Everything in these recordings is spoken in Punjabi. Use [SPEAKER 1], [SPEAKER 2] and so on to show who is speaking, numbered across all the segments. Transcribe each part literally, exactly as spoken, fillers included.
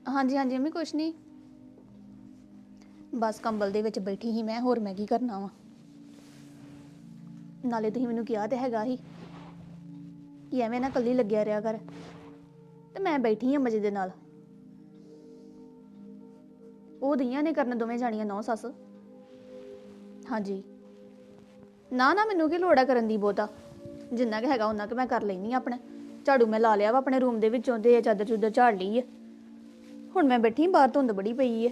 [SPEAKER 1] ਹਾਂਜੀ ਹਾਂਜੀ ਮੰਮੀ ਕੁਛ ਨਹੀਂ ਬਸ ਕੰਬਲ ਦੇ ਵਿੱਚ ਬੈਠੀ ਸੀ ਮੈਂ ਹੋਰ ਮੈਂ ਕੀ ਕਰਨਾ ਵਾ ਨਾਲੇ ਤੁਸੀਂ ਮੈਨੂੰ ਕਿਹਾ ਤੇ ਹੈਗਾ ਸੀ ਕਿ ਐਵੇਂ ਨਾ ਇਕੱਲੀ ਲੱਗਿਆ ਰਿਹਾ ਕਰ ਤੇ ਮੈਂ ਬੈਠੀ ਹਾਂ ਮਜ਼ੇ ਦੇ ਨਾਲ ਉਹ ਦੀਆਂ ਨੇ ਕਰਨ ਦੋਵੇਂ ਜਾਣੀਆਂ ਨੌ ਸੱਸ ਹਾਂਜੀ ਨਾ ਨਾ ਮੈਨੂੰ ਕੀ ਲੋੜ ਆ ਕਰਨ ਦੀ ਬਹੁਤਾ ਜਿੰਨਾ ਕੁ ਹੈਗਾ ਉਹਨਾਂ ਕੁ ਮੈਂ ਕਰ ਲੈਣੀ ਆਪਣੇ ਝਾੜੂ ਮੈਂ ਲਾ ਲਿਆ ਵਾ ਆਪਣੇ ਰੂਮ ਦੇ ਵਿੱਚੋਂ ਤੇ ਚਾਦਰ ਚੂਦਰ ਝਾੜ ਲਈ ਹੈ ਹੁਣ ਮੈਂ ਬੈਠੀ ਬਾਹਰ ਧੁੰਦ ਬੜੀ ਪਈ ਹੈ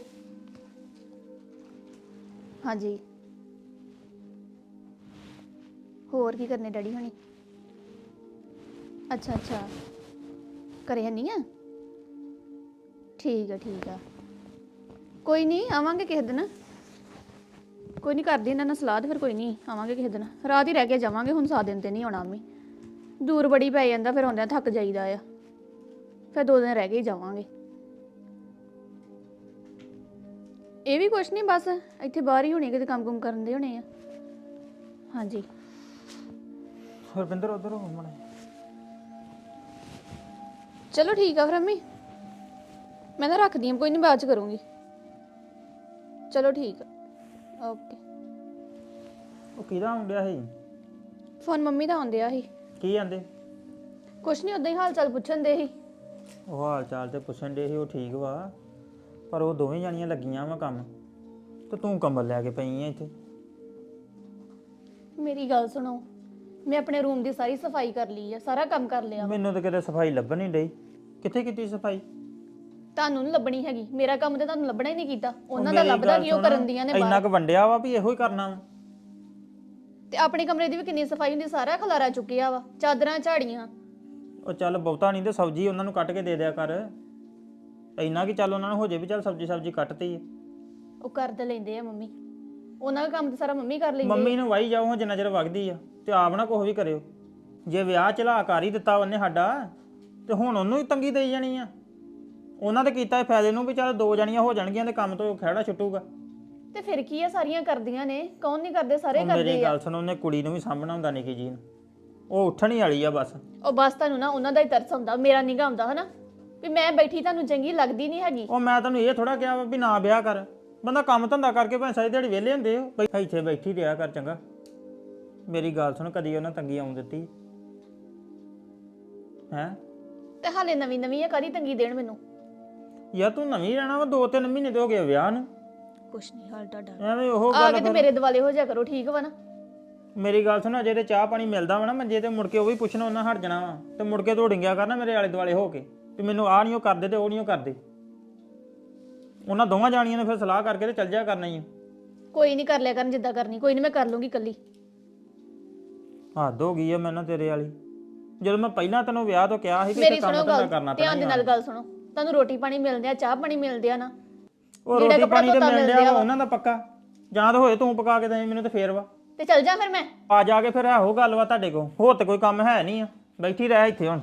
[SPEAKER 1] ਹਾਂਜੀ ਹੋਰ ਕੀ ਕਰਨੇ ਡੈਡੀ ਹੁਣੀ ਅੱਛਾ ਅੱਛਾ ਘਰੇ ਹੈ ਨਹੀਂ ਆ ਠੀਕ ਆ ਠੀਕ ਆ ਕੋਈ ਨਹੀਂ ਆਵਾਂਗੇ ਕਿਸੇ ਦਿਨ ਕੋਈ ਨਹੀਂ ਕਰਦੀ ਇਹਨਾਂ ਨਾਲ ਸਲਾਹ ਤੇ ਫਿਰ ਕੋਈ ਨਹੀਂ ਆਵਾਂਗੇ ਕਿਸੇ ਦਿਨ ਰਾਤ ਹੀ ਰਹਿ ਕੇ ਜਾਵਾਂਗੇ ਹੁਣ ਸਾਤ ਦਿਨ ਤੇ ਨਹੀਂ ਆਉਣਾ ਅੰਮੀ ਦੂਰ ਬੜੀ ਪੈ ਜਾਂਦਾ ਫਿਰ ਆਉਂਦਿਆਂ ਥੱਕ ਜਾਈਦਾ ਆ ਫਿਰ ਦੋ ਦਿਨ ਰਹਿ ਕੇ ਹੀ ਜਾਵਾਂਗੇ ਇਹ ਵੀ ਕੁਛ ਨਹੀਂ ਬਸ ਇੱਥੇ ਬਾਹਰ ਹੀ ਹੋਣੀ ਕਿਤੇ ਕੰਮ ਕੁਮ ਕਰਨ ਦੇ ਹੋਣੇ ਆ ਹਾਂਜੀ
[SPEAKER 2] ਹਰਵਿੰਦਰ ਉਧਰ ਹੋ ਮਣੇ
[SPEAKER 1] ਚਲੋ ਠੀਕ ਆ ਫਿਰ ਅੰਮੀ ਮੈਂ ਤਾਂ ਰੱਖਦੀ ਹਾਂ ਕੋਈ ਨਹੀਂ ਬਾਅਦ ਚ ਕਰੂੰਗੀ ਚਲੋ ਠੀਕ ਆ ਓਕੇ
[SPEAKER 2] ਉਹ ਕਿਹਦਾ ਆਉਂਦਿਆ ਸੀ
[SPEAKER 1] ਫੋਨ ਮੰਮੀ ਦਾ ਆਉਂਦਿਆ ਸੀ
[SPEAKER 2] ਕੀ ਜਾਂਦੇ
[SPEAKER 1] ਕੁਛ ਨਹੀਂ ਉਦਾਂ ਹੀ ਹਾਲ ਚਾਲ ਪੁੱਛਣ ਦੇ ਸੀ
[SPEAKER 2] ਉਹ ਹਾਲ ਚਾਲ ਤੇ ਪੁੱਛਣ ਦੇ ਸੀ ਉਹ ਠੀਕ ਵਾ ਪਰ ਉਹ ਦੋਵੇਂ ਜਾਣੀਆਂ ਲੱਗੀਆਂ ਵਾ ਕੰਮ ਤੇ ਤੂੰ ਕੰਬਲ ਲੈ ਕੇ ਪਈ ਆ ਇੱਥੇ
[SPEAKER 1] ਮੇਰੀ ਗੱਲ ਸੁਣੋ ਮੈਂ ਆਪਣੇ ਰੂਮ ਦੀ ਸਾਰੀ ਸਫਾਈ ਕਰ ਲਈ ਆ ਸਾਰਾ ਕੰਮ ਕਰ ਲਿਆ
[SPEAKER 2] ਮੈਨੂੰ ਤਾਂ ਕਿਤੇ ਸਫਾਈ ਲੱਭਣ ਨਹੀਂ ਡਈ ਕਿੱਥੇ ਕੀਤੀ ਸਫਾਈ
[SPEAKER 1] ਤੁਹਾਨੂੰ ਨਹੀਂ ਲੱਭਣੀ ਹੈਗੀ ਮੇਰਾ ਕੰਮ ਤੇ ਤੁਹਾਨੂੰ ਲੱਭਣਾ ਹੀ ਨਹੀਂ ਕੀਤਾ ਉਹਨਾਂ ਦਾ ਲੱਭਦਾ ਕਿ ਉਹ ਕਰਨ ਦੀਆਂ ਨੇ
[SPEAKER 2] ਇੰਨਾ
[SPEAKER 1] ਬਾਹਰ
[SPEAKER 2] ਕੁ ਵੰਡਿਆ ਵਾ ਵੀ ਇਹੋ ਹੀ ਕਰਨਾ ਵਾ
[SPEAKER 1] ਤੇ ਆਪਣੇ ਕਮਰੇ ਦੀ ਵੀ ਕਿੰਨੀ ਸਫਾਈ ਹੁੰਦੀ ਸਾਰਾ ਖਲਾਰਾ ਚੁੱਕਿਆ ਵਾ ਚਾਦਰਾਂ ਝਾੜੀਆਂ
[SPEAKER 2] ਉਹ ਚੱਲ ਬਹੁਤਾ ਨਹੀਂ ਤੇ ਸਬਜ਼ੀ ਉਹਨਾਂ ਨੂੰ ਕੱਟ ਕੇ ਦੇ ਦਿਆ ਕਰ ਇੰਨਾ ਕਿ ਚੱਲ ਉਹਨਾਂ ਨੂੰ ਹੋ ਜੇ ਵੀ ਚੱਲ ਸਬਜ਼ੀ ਸਬਜ਼ੀ ਕੱਟਤੀ ਹੈ
[SPEAKER 1] ਉਹ ਕਰ ਤੇ ਲੈਂਦੇ ਆ ਮੰਮੀ ਉਹਨਾਂ ਦਾ ਕੰਮ ਤੇ ਸਾਰਾ ਮੰਮੀ ਕਰ ਲੈਂਦੀ
[SPEAKER 2] ਮੰਮੀ ਨੂੰ ਵਾਈ ਜਾਓ ਜਿੰਨਾ ਚਿਰ ਵਗਦੀ ਆ ਤੇ ਆਪ ਨਾ ਕੁਛ ਵੀ ਕਰਿਓ ਜੇ ਵਿਆਹ ਚਲਾ ਕਰ ਹੀ ਦਿੱਤਾ ਉਹਨੇ ਸਾਡਾ ਤੇ ਹੁਣ ਉਹਨੂੰ ਹੀ ਤੰਗੀ ਦੇਈ ਜਾਣੀ ਆ ਉਹਨਾਂ ਤੇ ਕੀਤਾ ਫਾਇਦੇ ਨੂੰ ਵੀ ਚੱਲ ਦੋ ਜਣੀਆਂ ਹੋ ਜਾਣਗੀਆਂ ਤੇ ਕੰਮ ਤੋਂ ਖਹਿੜਾ ਛੁੱਟੂਗਾ
[SPEAKER 1] ਤੇ ਫਿਰ ਕੀ ਆ ਸਾਰੀਆਂ ਕਰਦੀਆਂ ਨੇ ਕੌਣ ਨਹੀਂ ਕਰਦੇ ਸਾਰੇ ਕਰਦੇ
[SPEAKER 2] ਮੇਰੀ
[SPEAKER 1] ਆ
[SPEAKER 2] ਗੱਲ ਸੁਣ ਉਹਨੇ ਕੁੜੀ ਨੂੰ ਵੀ ਸਾਂਭਣਾ ਹੁੰਦਾ ਨਿੱਕੀ ਜੀ ਨੂੰ ਉਹ ਉੱਠਣ ਹੀ ਵਾਲੀ ਆ ਬਸ
[SPEAKER 1] ਉਹ ਬਸ ਤੁਹਾਨੂੰ ਨਾ ਉਹਨਾਂ ਦਾ ਹੀ ਤਰਸ ਹੁੰਦਾ ਮੇਰਾ ਨਿਗਾ ਹੁੰਦਾ ਹਨਾ ਵੀ ਮੈਂ ਬੈਠੀ ਤੁਹਾਨੂੰ ਚੰਗੀ ਲੱਗਦੀ ਨਹੀਂ ਹੈਗੀ
[SPEAKER 2] ਉਹ ਮੈਂ ਤੈਨੂੰ ਇਹ ਥੋੜਾ ਕਿਹਾ ਵੀ ਨਾ ਵਿਆਹ ਕਰ ਬੰਦਾ ਕੰਮ ਧੰਦਾ ਕਰਕੇ ਭਾਵੇਂ ਸਾਰੀ ਦਿਹਾੜੀ ਵਿਹਲੇ ਹੁੰਦੇ ਹੋ ਬਈ ਇੱਥੇ ਬੈਠੀ ਰਿਹਾ ਕਰ ਚੰਗਾ ਮੇਰੀ ਗੱਲ ਸੁਣ ਕਦੀ ਉਹਨਾਂ ਤੰਗੀ ਆਉਣ ਦਿੱਤੀ ਹੈ
[SPEAKER 1] ਤੇ ਹਾਲੇ ਨਵੀਂ ਨਵੀਂ ਆ ਕਾਹਦੀ ਤੰਗੀ ਦੇਣ ਮੈਨੂੰ
[SPEAKER 2] ਯਾਰ ਤੂੰ ਨਵੀਂ ਰਹਿਣਾ ਵਾ ਦੋ ਤਿੰਨ ਮਹੀਨੇ ਤੇ ਹੋ ਗਏ ਵਿਆਹ ਨੂੰ
[SPEAKER 1] ਕੁਛ ਨਹੀਂ ਹਾਲ ਤੁਹਾਡਾ
[SPEAKER 2] ਐਵੇਂ ਉਹ
[SPEAKER 1] ਆ
[SPEAKER 2] ਗੱਲ
[SPEAKER 1] ਕੇ ਤੇ ਮੇਰੇ ਦਿਵਾਲੇ ਹੋ ਜਾ ਕਰੋ ਠੀਕ ਵਾ ਨਾ
[SPEAKER 2] ਮੇਰੀ ਗੱਲ ਸੁਣ ਜੇ ਤੇ ਚਾਹ ਪਾਣੀ ਮਿਲਦਾ ਵਾ ਨਾ ਮੰਜੇ ਤੇ ਮੁੜ ਕੇ ਉਹ ਵੀ ਪੁੱਛਣਾ ਉਹਨਾਂ ਹਟ ਜਾਣਾ ਵਾ ਤੇ ਮੁੜ ਕੇ ਦੌੜਿੰਗਿਆ ਕਰਨਾ ਮੇਰੇ ਆਲੇ ਦੁਆਲੇ ਹੋ ਕੇ ਵੀ ਮੈਨੂੰ ਆਹ ਨਹੀਂ ਉਹ ਕਰਦੇ ਤੇ ਉਹ ਨਹੀਂ ਉਹ ਕਰਦੇ ਉਹਨਾਂ ਦੋਵਾਂ ਜਾਣੀਆਂ ਨੇ ਫਿਰ ਸਲਾਹ ਕਰਕੇ ਤੇ ਚੱਲ ਜਾ ਕਰਨਾ ਹੀ ਆ
[SPEAKER 1] ਕੋਈ ਨਹੀਂ ਕਰ ਲਿਆ ਕਰਨ ਜਿੱਦਾਂ ਕਰਨੀ ਕੋਈ ਨਹੀਂ ਮੈਂ ਕਰ ਲੂੰਗੀ ਕੱਲੀ
[SPEAKER 2] ਹੱਦ ਹੋ ਗਈ ਆ ਮੈਨੂੰ ਤੇਰੇ ਵਾਲੀ ਜਦੋਂ ਮੈਂ ਪਹਿਲਾਂ ਤੈਨੂੰ ਵਿਆਹ ਤੋਂ ਕਿਹਾ ਸੀ ਕਿ
[SPEAKER 1] ਮੇਰੀ
[SPEAKER 2] ਇੱਥੇ ਕੰਮ
[SPEAKER 1] ਸੁਣੋ
[SPEAKER 2] ਧੰਦਾ
[SPEAKER 1] ਗੱਲ
[SPEAKER 2] ਕਰਨਾ
[SPEAKER 1] ਧਿਆਨ ਦੇ ਨਾਲ ਗੱਲ ਸੁਣੋ ਤੁਹਾਨੂੰ ਰੋਟੀ ਪਾਣੀ ਮਿਲਦੇ ਆ ਚਾਹ ਪਾਣੀ ਮਿਲਦੇ ਆ ਨਾ
[SPEAKER 2] ਉਹ ਰੋਟੀ ਪਾਣੀ ਤੇ ਮਿਲ ਰਿਹਾ ਉਹਨਾਂ ਦਾ ਪੱਕਾ ਜਾਂ ਤਾਂ ਹੋਏ ਤੂੰ ਪਕਾ ਕੇ ਦੇ ਮੈਨੂੰ ਤੇ ਫੇਰ ਵਾ
[SPEAKER 1] ਤੇ ਚੱਲ ਜਾ ਫਿਰ ਮੈਂ
[SPEAKER 2] ਆ ਜਾ ਕੇ ਫਿਰ ਇਹੋ ਗੱਲ ਵਾ ਤੁਹਾਡੇ ਕੋਲ ਹੋਰ ਤੇ ਕੋਈ ਕੰਮ ਹੈ ਨਹੀਂ ਆ ਬੈਠੀ ਰਹਿ ਇੱਥੇ ਹੁਣ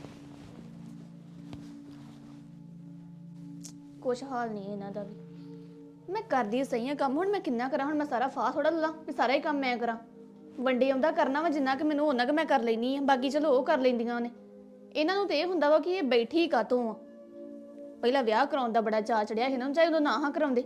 [SPEAKER 1] ਕੁਛ ਹਾਲ ਨਹੀਂ ਇਹਨਾਂ ਦਾ ਵੀ ਮੈਂ ਕਰਦੀ ਸਹੀ ਆ ਕੰਮ ਹੁਣ ਮੈਂ ਕਿੰਨਾ ਕਰਾਂ ਹੁਣ ਮੈਂ ਸਾਰਾ ਫਾਹ ਥੋੜਾ ਲਾ ਵੀ ਸਾਰਾ ਹੀ ਕੰਮ ਮੈਂ ਕਰਾਂ ਵੰਡੇ ਆਉਂਦਾ ਕਰਨਾ ਵਾ ਜਿੰਨਾ ਕਿ ਮੈਨੂੰ ਉਹਨਾਂ ਕਿ ਮੈਂ ਕਰ ਲੈਣੀ ਆ ਬਾਕੀ ਚਲੋ ਉਹ ਕਰ ਲੈਂਦੀਆਂ ਨੇ ਇਹਨਾਂ ਨੂੰ ਤੇ ਇਹ ਹੁੰਦਾ ਵਾ ਕਿ ਇਹ ਬੈਠੀ ਕਾਤੋਂ ਆ ਪਹਿਲਾਂ ਵਿਆਹ ਕਰਾਉਣ ਦਾ ਬੜਾ ਚਾਅ ਚੜਿਆ ਸੀ ਇਹਨਾਂ ਨੂੰ ਚਾਹੇ ਉਦੋਂ ਨਾ ਹਾਂ ਕਰਾਉਂਦੇ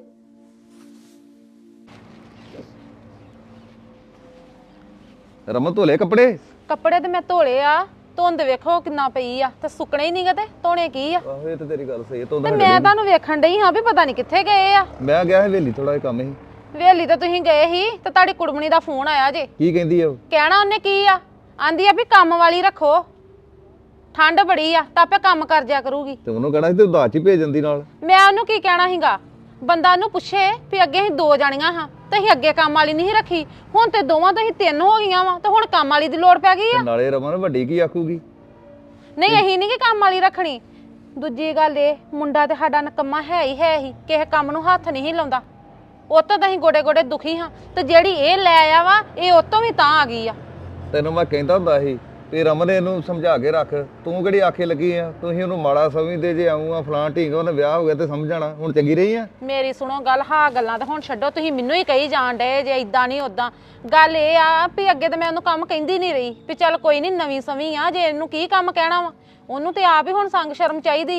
[SPEAKER 3] ਰਮਨ ਧੋਲੇ ਕੱਪੜੇ
[SPEAKER 4] ਕੱਪੜੇ ਤੇ ਮੈਂ ਧੋਲੇ ਆ ਧੁੰਦ ਵੇਖੋ ਕਿੰਨਾ ਪਈ ਆ ਤੇ ਸੁੱਕਣੇ ਹੀ ਨਹੀਂਗੇ ਤੇ ਧੋਣੇ ਕੀ ਆ
[SPEAKER 3] ਆਹੋ ਇਹ ਤੇ ਤੇਰੀ ਗੱਲ ਸਹੀ ਹੈ ਤੋਂ
[SPEAKER 4] ਤੇ ਮੈਂ ਤੁਹਾਨੂੰ ਵੇਖਣ ਡਈ ਹਾਂ ਵੀ ਪਤਾ ਨਹੀਂ ਕਿੱਥੇ ਗਏ ਆ
[SPEAKER 3] ਮੈਂ ਗਿਆ ਹਵੇਲੀ ਥੋੜਾ ਜਿਹਾ ਕੰਮ ਸੀ
[SPEAKER 4] ਵੇਲੀ ਤਾਂ ਤੁਸੀਂ ਗਏ ਸੀ ਤੇ ਤੁਹਾਡੀ ਕੁੜਮਣੀ ਦਾ ਫੋਨ ਆਇਆ ਜੇ
[SPEAKER 3] ਕੀ ਕਹਿੰਦੀ ਆ ਉਹ
[SPEAKER 4] ਕਹਿਣਾ ਉਹਨੇ ਕੀ ਆ ਆਂਦੀ ਆ ਵੀ ਕੰਮ ਵਾਲੀ ਰੱਖੋ ਠੰਡ ਬੜੀ ਆ ਤਾਂ ਆਪੇ ਕੰਮ ਕਰ ਜਿਆ ਕਰੂਗੀ
[SPEAKER 3] ਤੇ ਉਹਨੂੰ ਕਹਿਣਾ ਸੀ ਤੇ ਉਦਾਸ ਹੀ ਭੇਜ ਦਿੰਦੀ ਨਾਲ
[SPEAKER 4] ਮੈਂ ਉਹਨੂੰ ਕੀ ਕਹਿਣਾ ਸੀਗਾ ਬੰਦਾ ਉਹਨੂੰ ਪੁੱਛੇ ਵੀ ਅੱਗੇ ਅਸੀਂ ਦੋ ਜਾਣੀਆਂ ਹਾਂ ਤੇ ਅਸੀਂ ਅੱਗੇ ਕੰਮ ਵਾਲੀ ਨਹੀਂ ਰੱਖੀ ਹੁਣ ਤੇ ਦੋਵਾਂ ਤੋਂ ਅਸੀਂ ਤਿੰਨ ਹੋ ਗਈਆਂ ਵਾ ਤੇ ਹੁਣ ਕੰਮ ਵਾਲੀ ਦੀ ਲੋੜ ਪੈ ਗਈ ਆ
[SPEAKER 3] ਤੇ ਨਾਲੇ ਰਮਨ ਵੱਡੀ ਕੀ ਆਖੂਗੀ
[SPEAKER 4] ਨਹੀਂ ਅਸੀਂ ਨਹੀਂ ਕਿ ਕੰਮ ਵਾਲੀ ਰੱਖਣੀ ਦੂਜੀ ਗੱਲ ਇਹ ਮੁੰਡਾ ਤੇ ਸਾਡਾ ਨਕਮਾ ਹੈ ਹੀ ਹੈ ਹੀ ਕਿਸੇ ਕੰਮ ਨੂੰ ਹੱਥ ਨਹੀਂ ਲਾਉਂਦਾ ਉਹ ਤੋਂ ਤਾਂ ਅਸੀਂ ਗੋਡੇ ਗੋਡੇ ਦੁਖੀ ਹਾਂ ਤੇ ਜਿਹੜੀ ਇਹ ਲੈ ਆਇਆ ਵਾ ਇਹ ਉਹ ਤੋਂ ਵੀ ਤਾਂ ਆ ਗਈ ਆ
[SPEAKER 3] ਤੈਨੂੰ ਮੈਂ ਕਹਿੰਦਾ ਹੁੰਦਾ ਸੀ ਵੀ ਰਮਨ ਇਹਨੂੰ ਸਮਝਾ ਕੇ ਰੱਖ ਤੂੰ ਕਿਹੜੀ ਆਖੇ ਲੱਗੀ ਆ ਤੁਸੀਂ ਉਹਨੂੰ ਮਾੜਾ ਸਮਝਦੇ ਜੇ ਆਉਂ ਆ ਫਲਾਂ ਢੀਂਗ ਉਹਨੇ ਵਿਆਹ ਹੋ ਗਿਆ ਤੇ ਸਮਝਣਾ ਹੁਣ ਚੰਗੀ ਰਹੀ ਆ
[SPEAKER 4] ਮੇਰੀ ਸੁਣੋ ਗੱਲ ਹਾਂ ਗੱਲਾਂ ਤਾਂ ਹੁਣ ਛੱਡੋ ਤੁਸੀਂ ਮੈਨੂੰ ਹੀ ਕਹੀ ਜਾਣ ਡਏ ਜੇ ਇਦਾਂ ਨਹੀਂ ਉਦਾਂ ਗੱਲ ਇਹ ਆ ਵੀ ਅੱਗੇ ਤਾਂ ਮੈਂ ਉਹਨੂੰ ਕੰਮ ਕਹਿੰਦੀ ਨਹੀਂ ਰਹੀ ਵੀ ਚੱਲ ਕੋਈ ਨਹੀਂ ਨਵੀਂ ਸਵੀਂ ਆ ਜੇ ਇਹਨੂੰ ਕੀ ਕੰਮ ਕਹਿਣਾ ਵਾ ਉਹਨੂੰ ਤੇ ਆਪ ਹੀ ਹੁਣ ਸੰਗ ਸ਼ਰਮ ਚਾਹੀਦੀ ਆ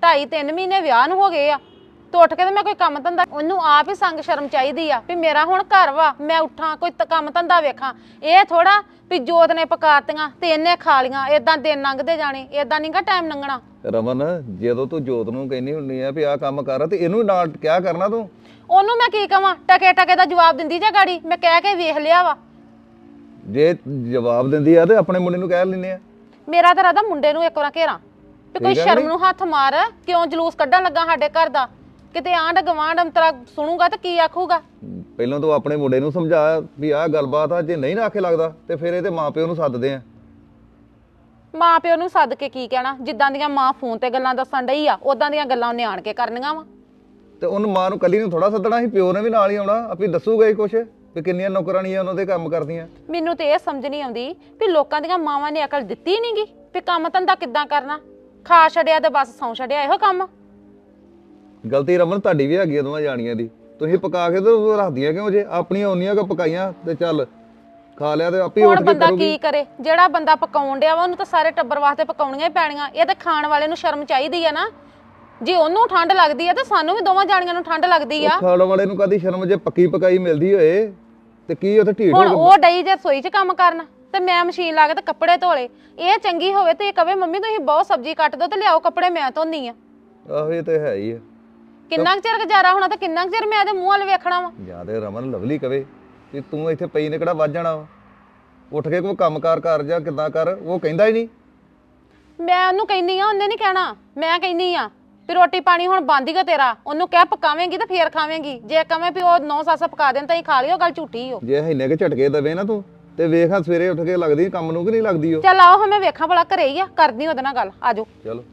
[SPEAKER 4] ਢਾਈ ਤਿੰਨ ਮਹੀਨੇ ਵਿਆਹ ਨੂੰ ਹੋ ਗਏ ਆ ਤੇ ਉੱਠ ਕੇ ਤੇ ਮੈਂ ਕੋਈ ਕੰਮ ਧੰਦਾ, ਉਹਨੂੰ ਆਪ ਹੀ ਸੰਗ ਸ਼ਰਮ ਚਾਹੀਦੀ ਆ ਵੀ ਮੇਰਾ ਹੁਣ ਘਰ ਵਾ, ਮੈਂ ਉੱਠਾਂ ਕੋਈ ਤ- ਕੰਮ ਧੰਦਾ ਵੇਖਾਂ। ਇਹ ਥੋੜਾ ਵੀ ਜੋਤ ਨੇ ਪਕਾਤੀਆਂ ਤੇ ਇਹਨੇ ਖਾ ਲੀਆਂ, ਏਦਾਂ ਦਿਨ ਲੰਘਦੇ ਜਾਣੇ, ਏਦਾਂ ਨਹੀਂਗਾ ਟਾਈਮ ਲੰਘਣਾ।
[SPEAKER 3] ਰਮਨ ਜਦੋਂ ਤੂੰ ਜੋਤ ਨੂੰ ਕਹਿੰਦੀ ਹੁੰਨੀ ਆ ਵੀ ਆਹ ਕੰਮ ਕਰ ਤੇ ਇਹਨੂੰ ਨਾਲ ਕਿਆ ਕਰਨਾ ਤੂੰ?
[SPEAKER 4] ਉਹਨੂੰ ਮੈਂ ਕੀ ਕਵਾਂ, ਟਕੇ ਟਕੇ ਦਾ ਜਵਾਬ ਦਿੰਦੀ ਜਾਂ ਗਾੜੀ ਮੈਂ ਕਹਿ ਕੇ ਵੇਖ ਲਿਆ ਵਾ।
[SPEAKER 3] ਜੇ ਜਵਾਬ ਦਿੰਦੀ ਆ ਤੇ ਆਪਣੇ ਮੁੰਡੇ ਨੂੰ ਕਹਿ ਲੈਨੇ ਆ।
[SPEAKER 4] ਮੇਰਾ ਤਾਂ ਰਾਦਾ ਮੁੰਡੇ ਨੂੰ ਇੱਕ ਵਾਰ ਘੇਰਾਂ ਵੀ ਕੋਈ
[SPEAKER 3] ਠੀਕ ਆ
[SPEAKER 4] ਸ਼ਰਮ
[SPEAKER 3] ਨੀ?
[SPEAKER 4] ਨੂੰ ਹੱਥ ਮਾਰ, ਕਿਉਂ ਜਲੂਸ ਕੱਢਣ ਲੱਗਾ ਸਾਡੇ ਘਰ ਦਾ? ਕਿਤੇ ਆਂਢ ਗਵਾਂਢ ਅੰਤਰਾ ਸੁਣੂਗਾ ਤਾਂ ਕੀ ਆਖੂਗਾ?
[SPEAKER 3] ਪਹਿਲਾਂ ਤੂੰ ਆਪਣੇ ਮੁੰਡੇ ਨੂੰ ਸਮਝਾ ਵੀ ਆਹ ਗੱਲਬਾਤ ਆ, ਜੇ ਨਹੀਂ ਨਾ ਆਖੇ ਲੱਗਦਾ ਤੇ ਫਿਰ ਇਹਦੇ ਮਾਪਿਓ ਨੂੰ ਸੱਦਦੇ ਆ।
[SPEAKER 4] ਮਾਂ ਪਿਓ ਨੂੰ ਸੱਦ ਕੇ ਕੀ ਕਹਿਣਾ? ਜਿੱਦਾਂ ਦੀਆਂ ਮਾਂ ਫੋਨ ਤੇ ਗੱਲਾਂ ਦੱਸਣ ਡਈ ਆ ਉਦਾਂ ਦੀਆਂ ਗੱਲਾਂ ਉਹਨੇ ਆਣ ਕੇ ਕਰਨੀਆਂ ਵਾ।
[SPEAKER 3] ਤੇ ਉਹਨੂੰ ਮਾਂ ਨੂੰ ਕੱਲੀ ਨੂੰ ਥੋੜਾ ਸੱਦਣਾ ਸੀ, ਪਿਓ ਨੇ ਵੀ ਨਾਲ ਹੀ ਆਉਣਾ, ਆਪੇ ਦੱਸੂਗਾ ਹੀ ਕੁਛ ਵੀ ਕਿੰਨੀਆਂ ਨੌਕਰਾਣੀਆਂ ਉਹਨਾਂ ਦੇ ਕੰਮ ਕਰਦੀਆਂ।
[SPEAKER 4] ਮੈਨੂੰ ਤੇ ਇਹ ਸਮਝ ਨਹੀਂ ਆਉਂਦੀ ਵੀ ਲੋਕਾਂ ਦੀਆਂ ਮਾਵਾਂ ਨੇ ਅਕਲ ਦਿੱਤੀ ਨਹੀਂਗੀ ਵੀ ਕੰਮ ਧੰਦਾ ਕਿੱਦਾਂ ਕਰਨਾ। ਖਾ ਛੱਡਿਆ ਤੇ ਬਸ ਸੌਂ ਛੱਡਿਆ, ਇਹੋ ਕੰਮ।
[SPEAKER 3] ਗਲਤੀ ਰਮਨ ਤੁਹਾਡੀ ਵੀ ਹੈਗੀ ਆ ਦੋਵਾਂ ਜਾਣੀਆਂ ਦੀ। ਤੁਸੀਂ ਪਕਾ ਕੇ ਤੇ ਰੱਖਦੀਆਂ ਕਿਉਂ ਜੇ? ਆਪਣੀਆਂ ਉਨੀਆਂ ਕੁ ਪਕਾਈਆਂ ਤੇ ਚੱਲ ਖਾ ਲਿਆ ਤੇ ਆਪੇ ਉੱਠ
[SPEAKER 4] ਹੁਣ
[SPEAKER 3] ਕੇ
[SPEAKER 4] ਬੰਦਾ
[SPEAKER 3] ਕਰੂਗੀ।
[SPEAKER 4] ਕੀ ਕਰੇ? ਜਿਹੜਾ ਬੰਦਾ ਪਕਾਉਣ ਡਿਆ ਵਾ ਉਹਨੂੰ ਤਾਂ ਸਾਰੇ ਟੱਬਰ ਵਾਸਤੇ ਪਕਾਉਣੀਆਂ ਹੀ ਪੈਣੀਆਂ। ਇਹ ਤਾਂ ਖਾਣ ਵਾਲੇ ਨੂੰ ਸ਼ਰਮ ਚਾਹੀਦੀ ਆ ਨਾ। ਜੇ ਉਹਨੂੰ ਠੰਡ ਲੱਗਦੀ ਆ ਤੇ ਸਾਨੂੰ ਵੀ ਦੋਵਾਂ ਜਾਣੀਆਂ ਨੂੰ ਠੰਡ ਲੱਗਦੀ ਆ।
[SPEAKER 3] ਉਹ ਖਾਣ ਵਾਲੇ ਨੂੰ ਕਦੀ ਸ਼ਰਮ ਜੇ ਪੱਕੀ ਪਕਾਈ ਮਿਲਦੀ ਹੋਏ ਤੇ ਕੀ ਉੱਥੇ ਢੀਠ
[SPEAKER 4] ਹੁਣ
[SPEAKER 3] ਹੋ
[SPEAKER 4] ਉਹ ਡਈ ਜੇ ਰਸੋਈ 'ਚ ਕੰਮ ਕਰਨ ਤੇ ਮੈਂ ਮਸ਼ੀਨ ਲਾ ਕੇ ਤੇ ਕੱਪੜੇ ਧੋਲੇ। ਇਹ ਚੰਗੀ ਹੋਵੇ ਤੇ ਇਹ ਕਵੇ ਮੰਮੀ ਤੁਸੀਂ ਬਹੁਤ ਸਬਜ਼ੀ ਕੱਟ ਦੋ ਤੇ ਲਿਆਓ ਕੱਪੜੇ ਮੈਂ ਧੋਨੀ ਆ।
[SPEAKER 3] ਆਹੋ ਇਹ ਤੇ ਹੈ ਹੀ ਆ।
[SPEAKER 4] ਕਿੰਨਾ ਕੁ ਚਿਰ ਗੁਜ਼ਾਰਾ ਹੋਣਾ ਤੇ ਕਿੰਨਾ ਕੁ ਚਿਰ ਮੈਂ ਇਹਦੇ ਮੂੰਹ ਵੱਲ ਵੇਖਣਾ ਵਾ।
[SPEAKER 3] ਜਾਂ ਤੇ ਰਮਨ ਲਵਲੀ ਕਵੇ ਕਿ ਤੂੰ ਇੱਥੇ ਪਈ ਨੇ ਕਿਹੜਾ ਵੱਜ ਜਾਣਾ ਵਾ, ਉੱਠ ਕੇ ਕੋਈ ਕੰਮਕਾਰ ਕਰ ਜਾਂ ਕਿੱਦਾਂ ਕਰ। ਉਹ ਕਹਿੰਦਾ ਹੀ ਨਹੀਂ।
[SPEAKER 4] ਮੈਂ ਉਹਨੂੰ ਕਹਿੰਨੀ ਆ, ਉਹਨੇ ਨਹੀਂ ਕਹਿਣਾ। ਮੈਂ ਕਹਿੰਨੀ ਆ ਵੀ ਰੋਟੀ ਪਾਣੀ ਹੁਣ ਬੰਦ ਹੀ ਗਾ ਤੇਰਾ। ਉਹਨੂੰ ਕਹਿ ਪਕਾਵੇਂਗੀ ਤੇ ਫੇਰ ਖਾਵੇਂਗੀ। ਜੇ ਕਵੇਂ ਵੀ ਉਹ ਨੌ ਸੱਸ ਪਕਾ ਦੇਣ ਤਾਂ ਹੀ ਖਾ ਲਿਓ, ਗੱਲ ਝੂਠੀ ਹੋ।
[SPEAKER 3] ਜੇ ਇੰਨੇ ਕੇ ਝਟਕੇ ਦਵੇ ਨਾ ਤੂੰ ਤੇ ਵੇਖ ਹਾਂ ਸਵੇਰੇ ਉੱਠ ਕੇ ਲੱਗਦੀ ਕੰਮ ਨੂੰ ਕਿ ਨਹੀਂ ਲੱਗਦੀ ਉਹ।
[SPEAKER 4] ਚੱਲ ਆਓ ਹਾਂ ਮੈਂ ਵੇਖਾਂ ਭਲਾ ਘਰੇ ਹੀ ਆ, ਕਰਦੀ ਉਹਦੇ ਨਾਲ ਗੱਲ। ਆਜੋ।
[SPEAKER 3] ਚਲੋ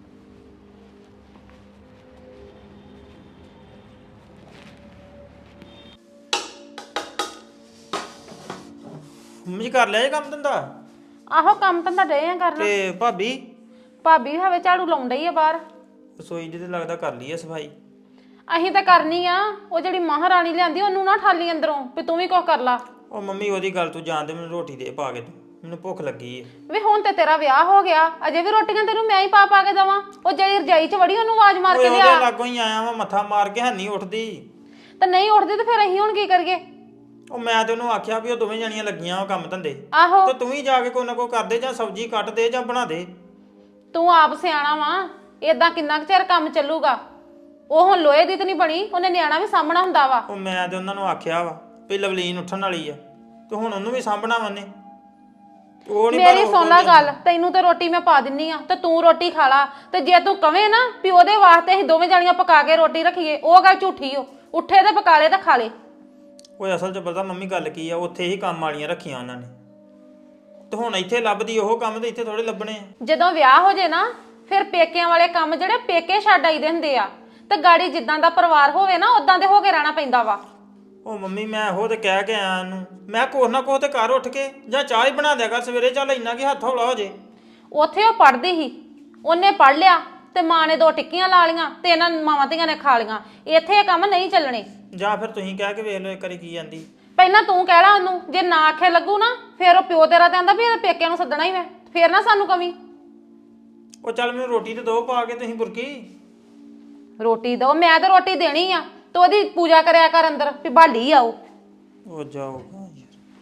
[SPEAKER 2] ਮੰਮੀ ਜੀ ਕਰ ਲਿਆ ਇਹ ਕੰਮ ਧੰਦਾ?
[SPEAKER 4] ਆਹੋ ਕੰਮ ਤਾਂ ਡੇ ਆ ਕਰਨਾ।
[SPEAKER 2] ਤੇ ਭਾਬੀ?
[SPEAKER 4] ਭਾਬੀ ਵੀ ਹਵੇ ਝਾੜੂ ਲਾਉਣ ਡਈ ਆ ਬਾਹਰ।
[SPEAKER 2] ਰਸੋਈ ਦੀ ਤੇ ਲੱਗਦਾ ਕਰ ਲਈ ਆ ਸਫਾਈ।
[SPEAKER 4] ਅਸੀਂ ਤਾਂ ਕਰਨੀ ਆ। ਉਹ ਜਿਹੜੀ ਮਹਾਰਾਣੀ ਲਿਆਂਦੀ ਉਹਨੂੰ ਨਾ ਠਾਲੀ ਅੰਦਰੋਂ ਵੀ ਤੂੰ ਵੀ ਕੁਝ ਕਰ ਲਾ।
[SPEAKER 2] ਉਹ ਮੰਮੀ ਉਹਦੀ ਗੱਲ ਤੂੰ ਜਾਣਦੇ, ਮੈਨੂੰ ਰੋਟੀ ਦੇ ਪਾ ਕੇ ਤੂੰ, ਮੈਨੂੰ ਭੁੱਖ ਲੱਗੀ ਏ।
[SPEAKER 4] ਵੀ ਹੁਣ ਤੇ ਤੇਰਾ ਵਿਆਹ ਹੋ ਗਿਆ, ਅਜੇ ਵੀ ਰੋਟੀਆਂ ਤੈਨੂੰ ਮੈਂ ਹੀ ਪਾ ਪਾ ਕੇ ਦੇਵਾਂ? ਉਹ ਜਿਹੜੀ ਰਜਾਈ 'ਚ ਵੜੀ ਉਹਨੂੰ ਆਵਾਜ਼ ਮਾਰ ਕੇ
[SPEAKER 2] ਓਏ
[SPEAKER 4] ਲਿਆ।
[SPEAKER 2] ਉਹਦੇ ਲਾਗੋਂ ਹੀ ਆਇਆ ਵਾ, ਮੱਥਾ ਮਾਰ ਕੇ ਹੈਨੀ ਉੱਠਦੀ।
[SPEAKER 4] ਤੇ ਨਹੀਂ ਉੱਠਦੀ ਤੇ ਫਿਰ ਅਸੀਂ ਹੁਣ ਕੀ ਕਰੀਏ?
[SPEAKER 2] ਉਹ ਮੈਂ ਤੇ ਉਹਨੂੰ ਆਖਿਆ ਵੀ ਉਹ ਦੋਵੇਂ ਜਣੀਆਂ ਲੱਗੀਆਂ ਵਾ ਕੰਮ ਧੰਦੇ,
[SPEAKER 4] ਆਹੋ
[SPEAKER 2] ਤੇ ਤੂੰ ਹੀ ਜਾ ਕੇ ਕੋਈ ਨਾ ਕੋਈ ਕਰ ਦੇ, ਜਾਂ ਸਬਜ਼ੀ ਕੱਟ ਦੇ ਜਾਂ ਬਣਾ ਦੇ।
[SPEAKER 4] ਤੂੰ ਆਪ ਸਿਆਣਾ ਵਾ। ਏਦਾਂ ਕਿੰਨਾ ਕੁ ਚਿਰ ਕੰਮ ਚੱਲੂਗਾ? ਉਹ ਹੁਣ ਲੋਹੇ ਦੀ ਤਾਂ ਨਹੀਂ ਬਣੀ, ਉਹਨੇ ਨਿਆਣਾ ਵੀ ਸਾਂਭਣਾ ਹੁੰਦਾ ਵਾ।
[SPEAKER 2] ਉਹ ਮੈਂ ਤੇ ਉਹਨਾਂ ਨੂੰ ਆਖਿਆ ਵਾ ਵੀ ਲਵਲੀਨ ਉੱਠਣ ਵਾਲੀ ਆ ਤੇ ਹੁਣ ਉਹਨੂੰ ਵੀ ਸਾਂਭਣਾ ਵੰਨੇ। ਉਹ ਨਹੀਂ
[SPEAKER 4] ਮੇਰੀ ਸੁਣ ਲੈ ਗੱਲ, ਤੈਨੂੰ ਤੇ ਰੋਟੀ ਮੈਂ ਪਾ ਦਿੰਨੀ ਆ ਤੇ ਤੂੰ ਰੋਟੀ ਖਾ ਲਾ। ਤੇ ਜੇ ਤੂੰ ਕਵੇਂ ਨਾ ਵੀ ਉਹਦੇ ਵਾਸਤੇ ਅਸੀਂ ਦੋਵੇਂ ਜਾਣੀਆਂ ਪਕਾ ਕੇ ਰੋਟੀ ਰੱਖੀਏ, ਉਹ ਗੱਲ ਝੂਠੀ ਓ। ਉੱਠੇ ਤੇ ਪਕਾ ਲੇ ਤੇ ਖਾ ਲੇ।
[SPEAKER 2] ਓਏ ਅਸਲ 'ਚ ਪਤਾ ਮੰਮੀ ਗੱਲ ਕੀ ਆ, ਉੱਥੇ ਹੀ ਕੰਮ ਵਾਲੀਆਂ ਰੱਖੀਆਂ ਉਹਨਾਂ ਨੇ, ਤੇ ਹੁਣ ਇੱਥੇ ਲੱਭਦੀ ਉਹ ਕੰਮ ਤੇ ਇੱਥੇ ਥੋੜੇ ਲੱਭਣੇ ਆ।
[SPEAKER 4] ਜਦੋਂ ਵਿਆਹ ਹੋ ਜੇ ਨਾ ਫਿਰ ਪੇਕਿਆਂ ਵਾਲੇ ਕੰਮ ਜਿਹੜੇ ਪੇਕੇ ਛੱਡ ਆਈਦੇ ਹੁੰਦੇ ਆ ਤੇ ਗਾੜੀ ਜਿੱਦਾਂ ਦਾ ਪਰਿਵਾਰ ਹੋਵੇ ਨਾ ਉਦਾਂ ਦੇ ਹੋ ਕੇ ਰਹਿਣਾ ਪੈਂਦਾ ਵਾ।
[SPEAKER 2] ਉਹ ਮੰਮੀ ਮੈਂ ਉਹ ਤੇ ਕਹਿ ਕੇ ਆਇਆ ਉਹਨੂੰ, ਮੈਂ ਕੁਛ ਨਾ ਕੁਛ ਤੇ ਘਰ ਉੱਠ ਕੇ ਜਾਂ ਚਾਹ ਹੀ ਬਣਾ ਦਿਆ ਕਰ ਸਵੇਰੇ, ਚੱਲ ਇੰਨਾ ਕਿ ਹੱਥ ਹੌਲਾ ਹੋ ਜੇ।
[SPEAKER 4] ਉੱਥੇ ਉਹ ਪੜ੍ਹਦੀ ਸੀ, ਉਹਨੇ ਪੜ੍ਹ ਲਿਆ ਤੇ ਮਾਂ ਨੇ ਦੋ ਟਿੱਕੀਆਂ ਲਾ ਲੀਆਂ ਤੇ ਇਹਨਾਂ ਮਾਵਾਂ ਧੀਆਂ ਨੇ ਖਾ ਲੀਆਂ। ਇੱਥੇ ਇਹ ਕੰਮ ਨਹੀਂ ਚੱਲਣੇ।
[SPEAKER 2] ਜਾਂ ਫਿਰ ਤੁਸੀਂ ਕਹਿ ਕੇ ਵੇਖ ਲਓ ਇੱਕ ਵਾਰੀ ਕੀ ਜਾਂਦੀ।
[SPEAKER 4] ਪਹਿਲਾਂ ਤੂੰ ਕਹਿ ਲਾ ਉਹਨੂੰ, ਜੇ ਨਾ ਆਖੇ ਲੱਗੂ ਨਾ ਫਿਰ ਉਹ ਪਿਓ ਤੇਰਾ ਤੇ ਆਂਦਾ ਵੀ ਇਹਦੇ ਪੇਕਿਆਂ ਨੂੰ ਸੱਦਣਾ ਹੀ ਮੈਂ, ਫਿਰ ਨਾ ਸਾਨੂੰ ਕਵੀ।
[SPEAKER 2] ਉਹ ਚੱਲ ਮੈਨੂੰ ਰੋਟੀ ਤੇ ਦੋ ਪਾ ਕੇ, ਤੁਸੀਂ ਬੁਰਕੀ
[SPEAKER 4] ਰੋਟੀ ਦੋ, ਮੈਂ ਤਾਂ ਰੋਟੀ ਦੇਣੀ ਆ ਤੇ ਉਹਦੀ ਪੂਜਾ ਕਰਿਆ ਕਰ ਅੰਦਰ ਵੀ ਬਾਲੀ ਆਓ।
[SPEAKER 2] ਉਹ ਜਾਊਗਾ ਯਾਰ।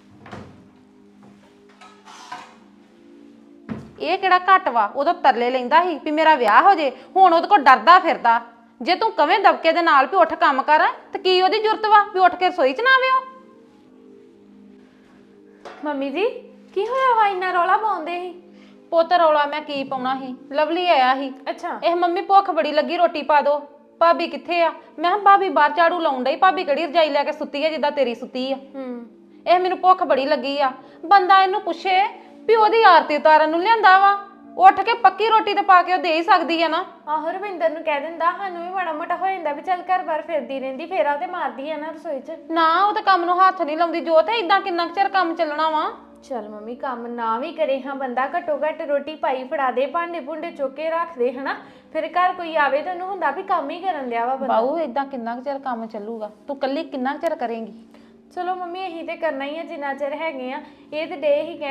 [SPEAKER 4] ਇਹ ਕਿਹੜਾ ਘੱਟ ਵਾ? ਉਦੋਂ ਤਰਲੇ ਲੈਂਦਾ ਸੀ ਵੀ ਮੇਰਾ ਵਿਆਹ ਹੋ ਜੇ, ਹੁਣ ਉਹਦੇ ਕੋਲ ਡਰਦਾ ਫਿਰਦਾ। ਜੇ ਤੂੰ ਕਵੇਂ ਦਬਕੇ ਦੇ ਨਾਲ ਵੀ ਉੱਠ ਕੰਮ ਕਰ ਤੇ ਕੀ ਉਹਦੀ ਜ਼ਰੂਰਤ ਵਾ ਵੀ ਉੱਠ ਕੇ ਰਸੋਈ 'ਚ ਨਾ ਆਵੇ ਉਹ?
[SPEAKER 1] ਮੰਮੀ ਜੀ ਕੀ ਹੋਇਆ ਵਾ ਇੰਨਾ ਰੌਲਾ ਪਾਉਂਦੇ ਸੀ?
[SPEAKER 4] ਪੁੱਤ ਰੌਲਾ ਮੈਂ ਕੀ ਪਾਉਣਾ ਸੀ, ਲਵਲੀ ਆਇਆ ਸੀ।
[SPEAKER 1] ਅੱਛਾ
[SPEAKER 4] ਇਹ ਮੰਮੀ ਭੁੱਖ ਬੜੀ ਲੱਗੀ, ਰੋਟੀ ਪਾ ਦੋ। ਭਾਬੀ ਕਿੱਥੇ ਆ? ਮੈਂ ਕਿਹਾ ਭਾਬੀ ਬਾਹਰ ਝਾੜੂ ਲਾਉਣ ਡਈ। ਭਾਬੀ ਕਿਹੜੀ ਰਜਾਈ ਲੈ ਕੇ ਸੁੱਤੀ ਆ ਜਿੱਦਾਂ ਤੇਰੀ ਸੁੱਤੀ ਆ?
[SPEAKER 1] ਹੂੰ
[SPEAKER 4] ਇਹ ਮੈਨੂੰ ਭੁੱਖ ਬੜੀ ਲੱਗੀ ਆ। ਬੰਦਾ ਇਹਨੂੰ ਪੁੱਛੇ ਵੀ ਉਹਦੀ ਆਰਤੀ ਉਤਾਰਨ ਨੂੰ ਲਿਆਂਦਾ ਵਾ, ਉੱਠ ਕੇ ਪੱਕੀ ਰੋਟੀ ਤੇ ਪਾ ਕੇ ਉਹ ਦੇ ਹੀ ਸਕਦੀ ਆ ਨਾ।
[SPEAKER 1] ਆਹੋ ਰਵਿੰਦਰ ਨੂੰ ਕਹਿ ਦਿੰਦਾ, ਸਾਨੂੰ ਵੀ ਮਾੜਾ ਮੋਟਾ ਹੋ ਜਾਂਦਾ ਵੀ ਚੱਲ ਘਰ ਬਾਰ ਫਿਰਦੀ ਰਹਿੰਦੀ, ਫੇਰਾ ਤੇ ਮਾਰਦੀ ਆ ਨਾ ਰਸੋਈ 'ਚ।
[SPEAKER 4] ਨਾ ਉਹ ਤਾਂ ਕੰਮ ਨੂੰ ਹੱਥ ਨਹੀਂ ਲਾਉਂਦੀ। ਜੋ ਤੇ ਇਦਾਂ ਕਿੰਨਾ ਕੁ ਚਿਰ ਕੰਮ ਚੱਲਣਾ ਵਾ?
[SPEAKER 1] ਚੱਲ ਮੰਮੀ ਕੰਮ ਨਾ ਵੀ ਕਰੇ ਹਾਂ ਬੰਦਾ ਘੱਟੋ ਘੱਟ ਰੋਟੀ ਪਾਈ ਫੜਾ ਦੇ, ਭਾਂਡੇ ਭੁੰਡੇ ਚੁੱਕ ਕੇ ਰੱਖ ਦੇ ਹਨਾ, ਫਿਰ ਘਰ ਕੋਈ ਆਵੇ ਤਾਂ ਉਹਨੂੰ ਹੁੰਦਾ ਵੀ ਕੰਮ ਹੀ ਕਰਨ ਦਿਆ ਵਾ ਬੰਦਾ।
[SPEAKER 4] ਬਾਊ ਇਦਾਂ ਕਿੰਨਾ ਕੁ ਚਿਰ ਕੰਮ ਚੱਲੂਗਾ? ਤੂੰ ਕੱਲੀ ਕਿੰਨਾ ਕੁ ਚਿਰ ਕਰੇਂਗੀ?
[SPEAKER 1] ਚਲੋ ਮੰਮੀ ਇਹੀ ਤੇ ਕਰਨਾ ਹੀ ਆ ਜਿੰਨਾ ਚਿਰ ਹੈਗੇ ਆ। ਇਹ ਤੇ ਡੇ ਹੀ ਕਹਿਣ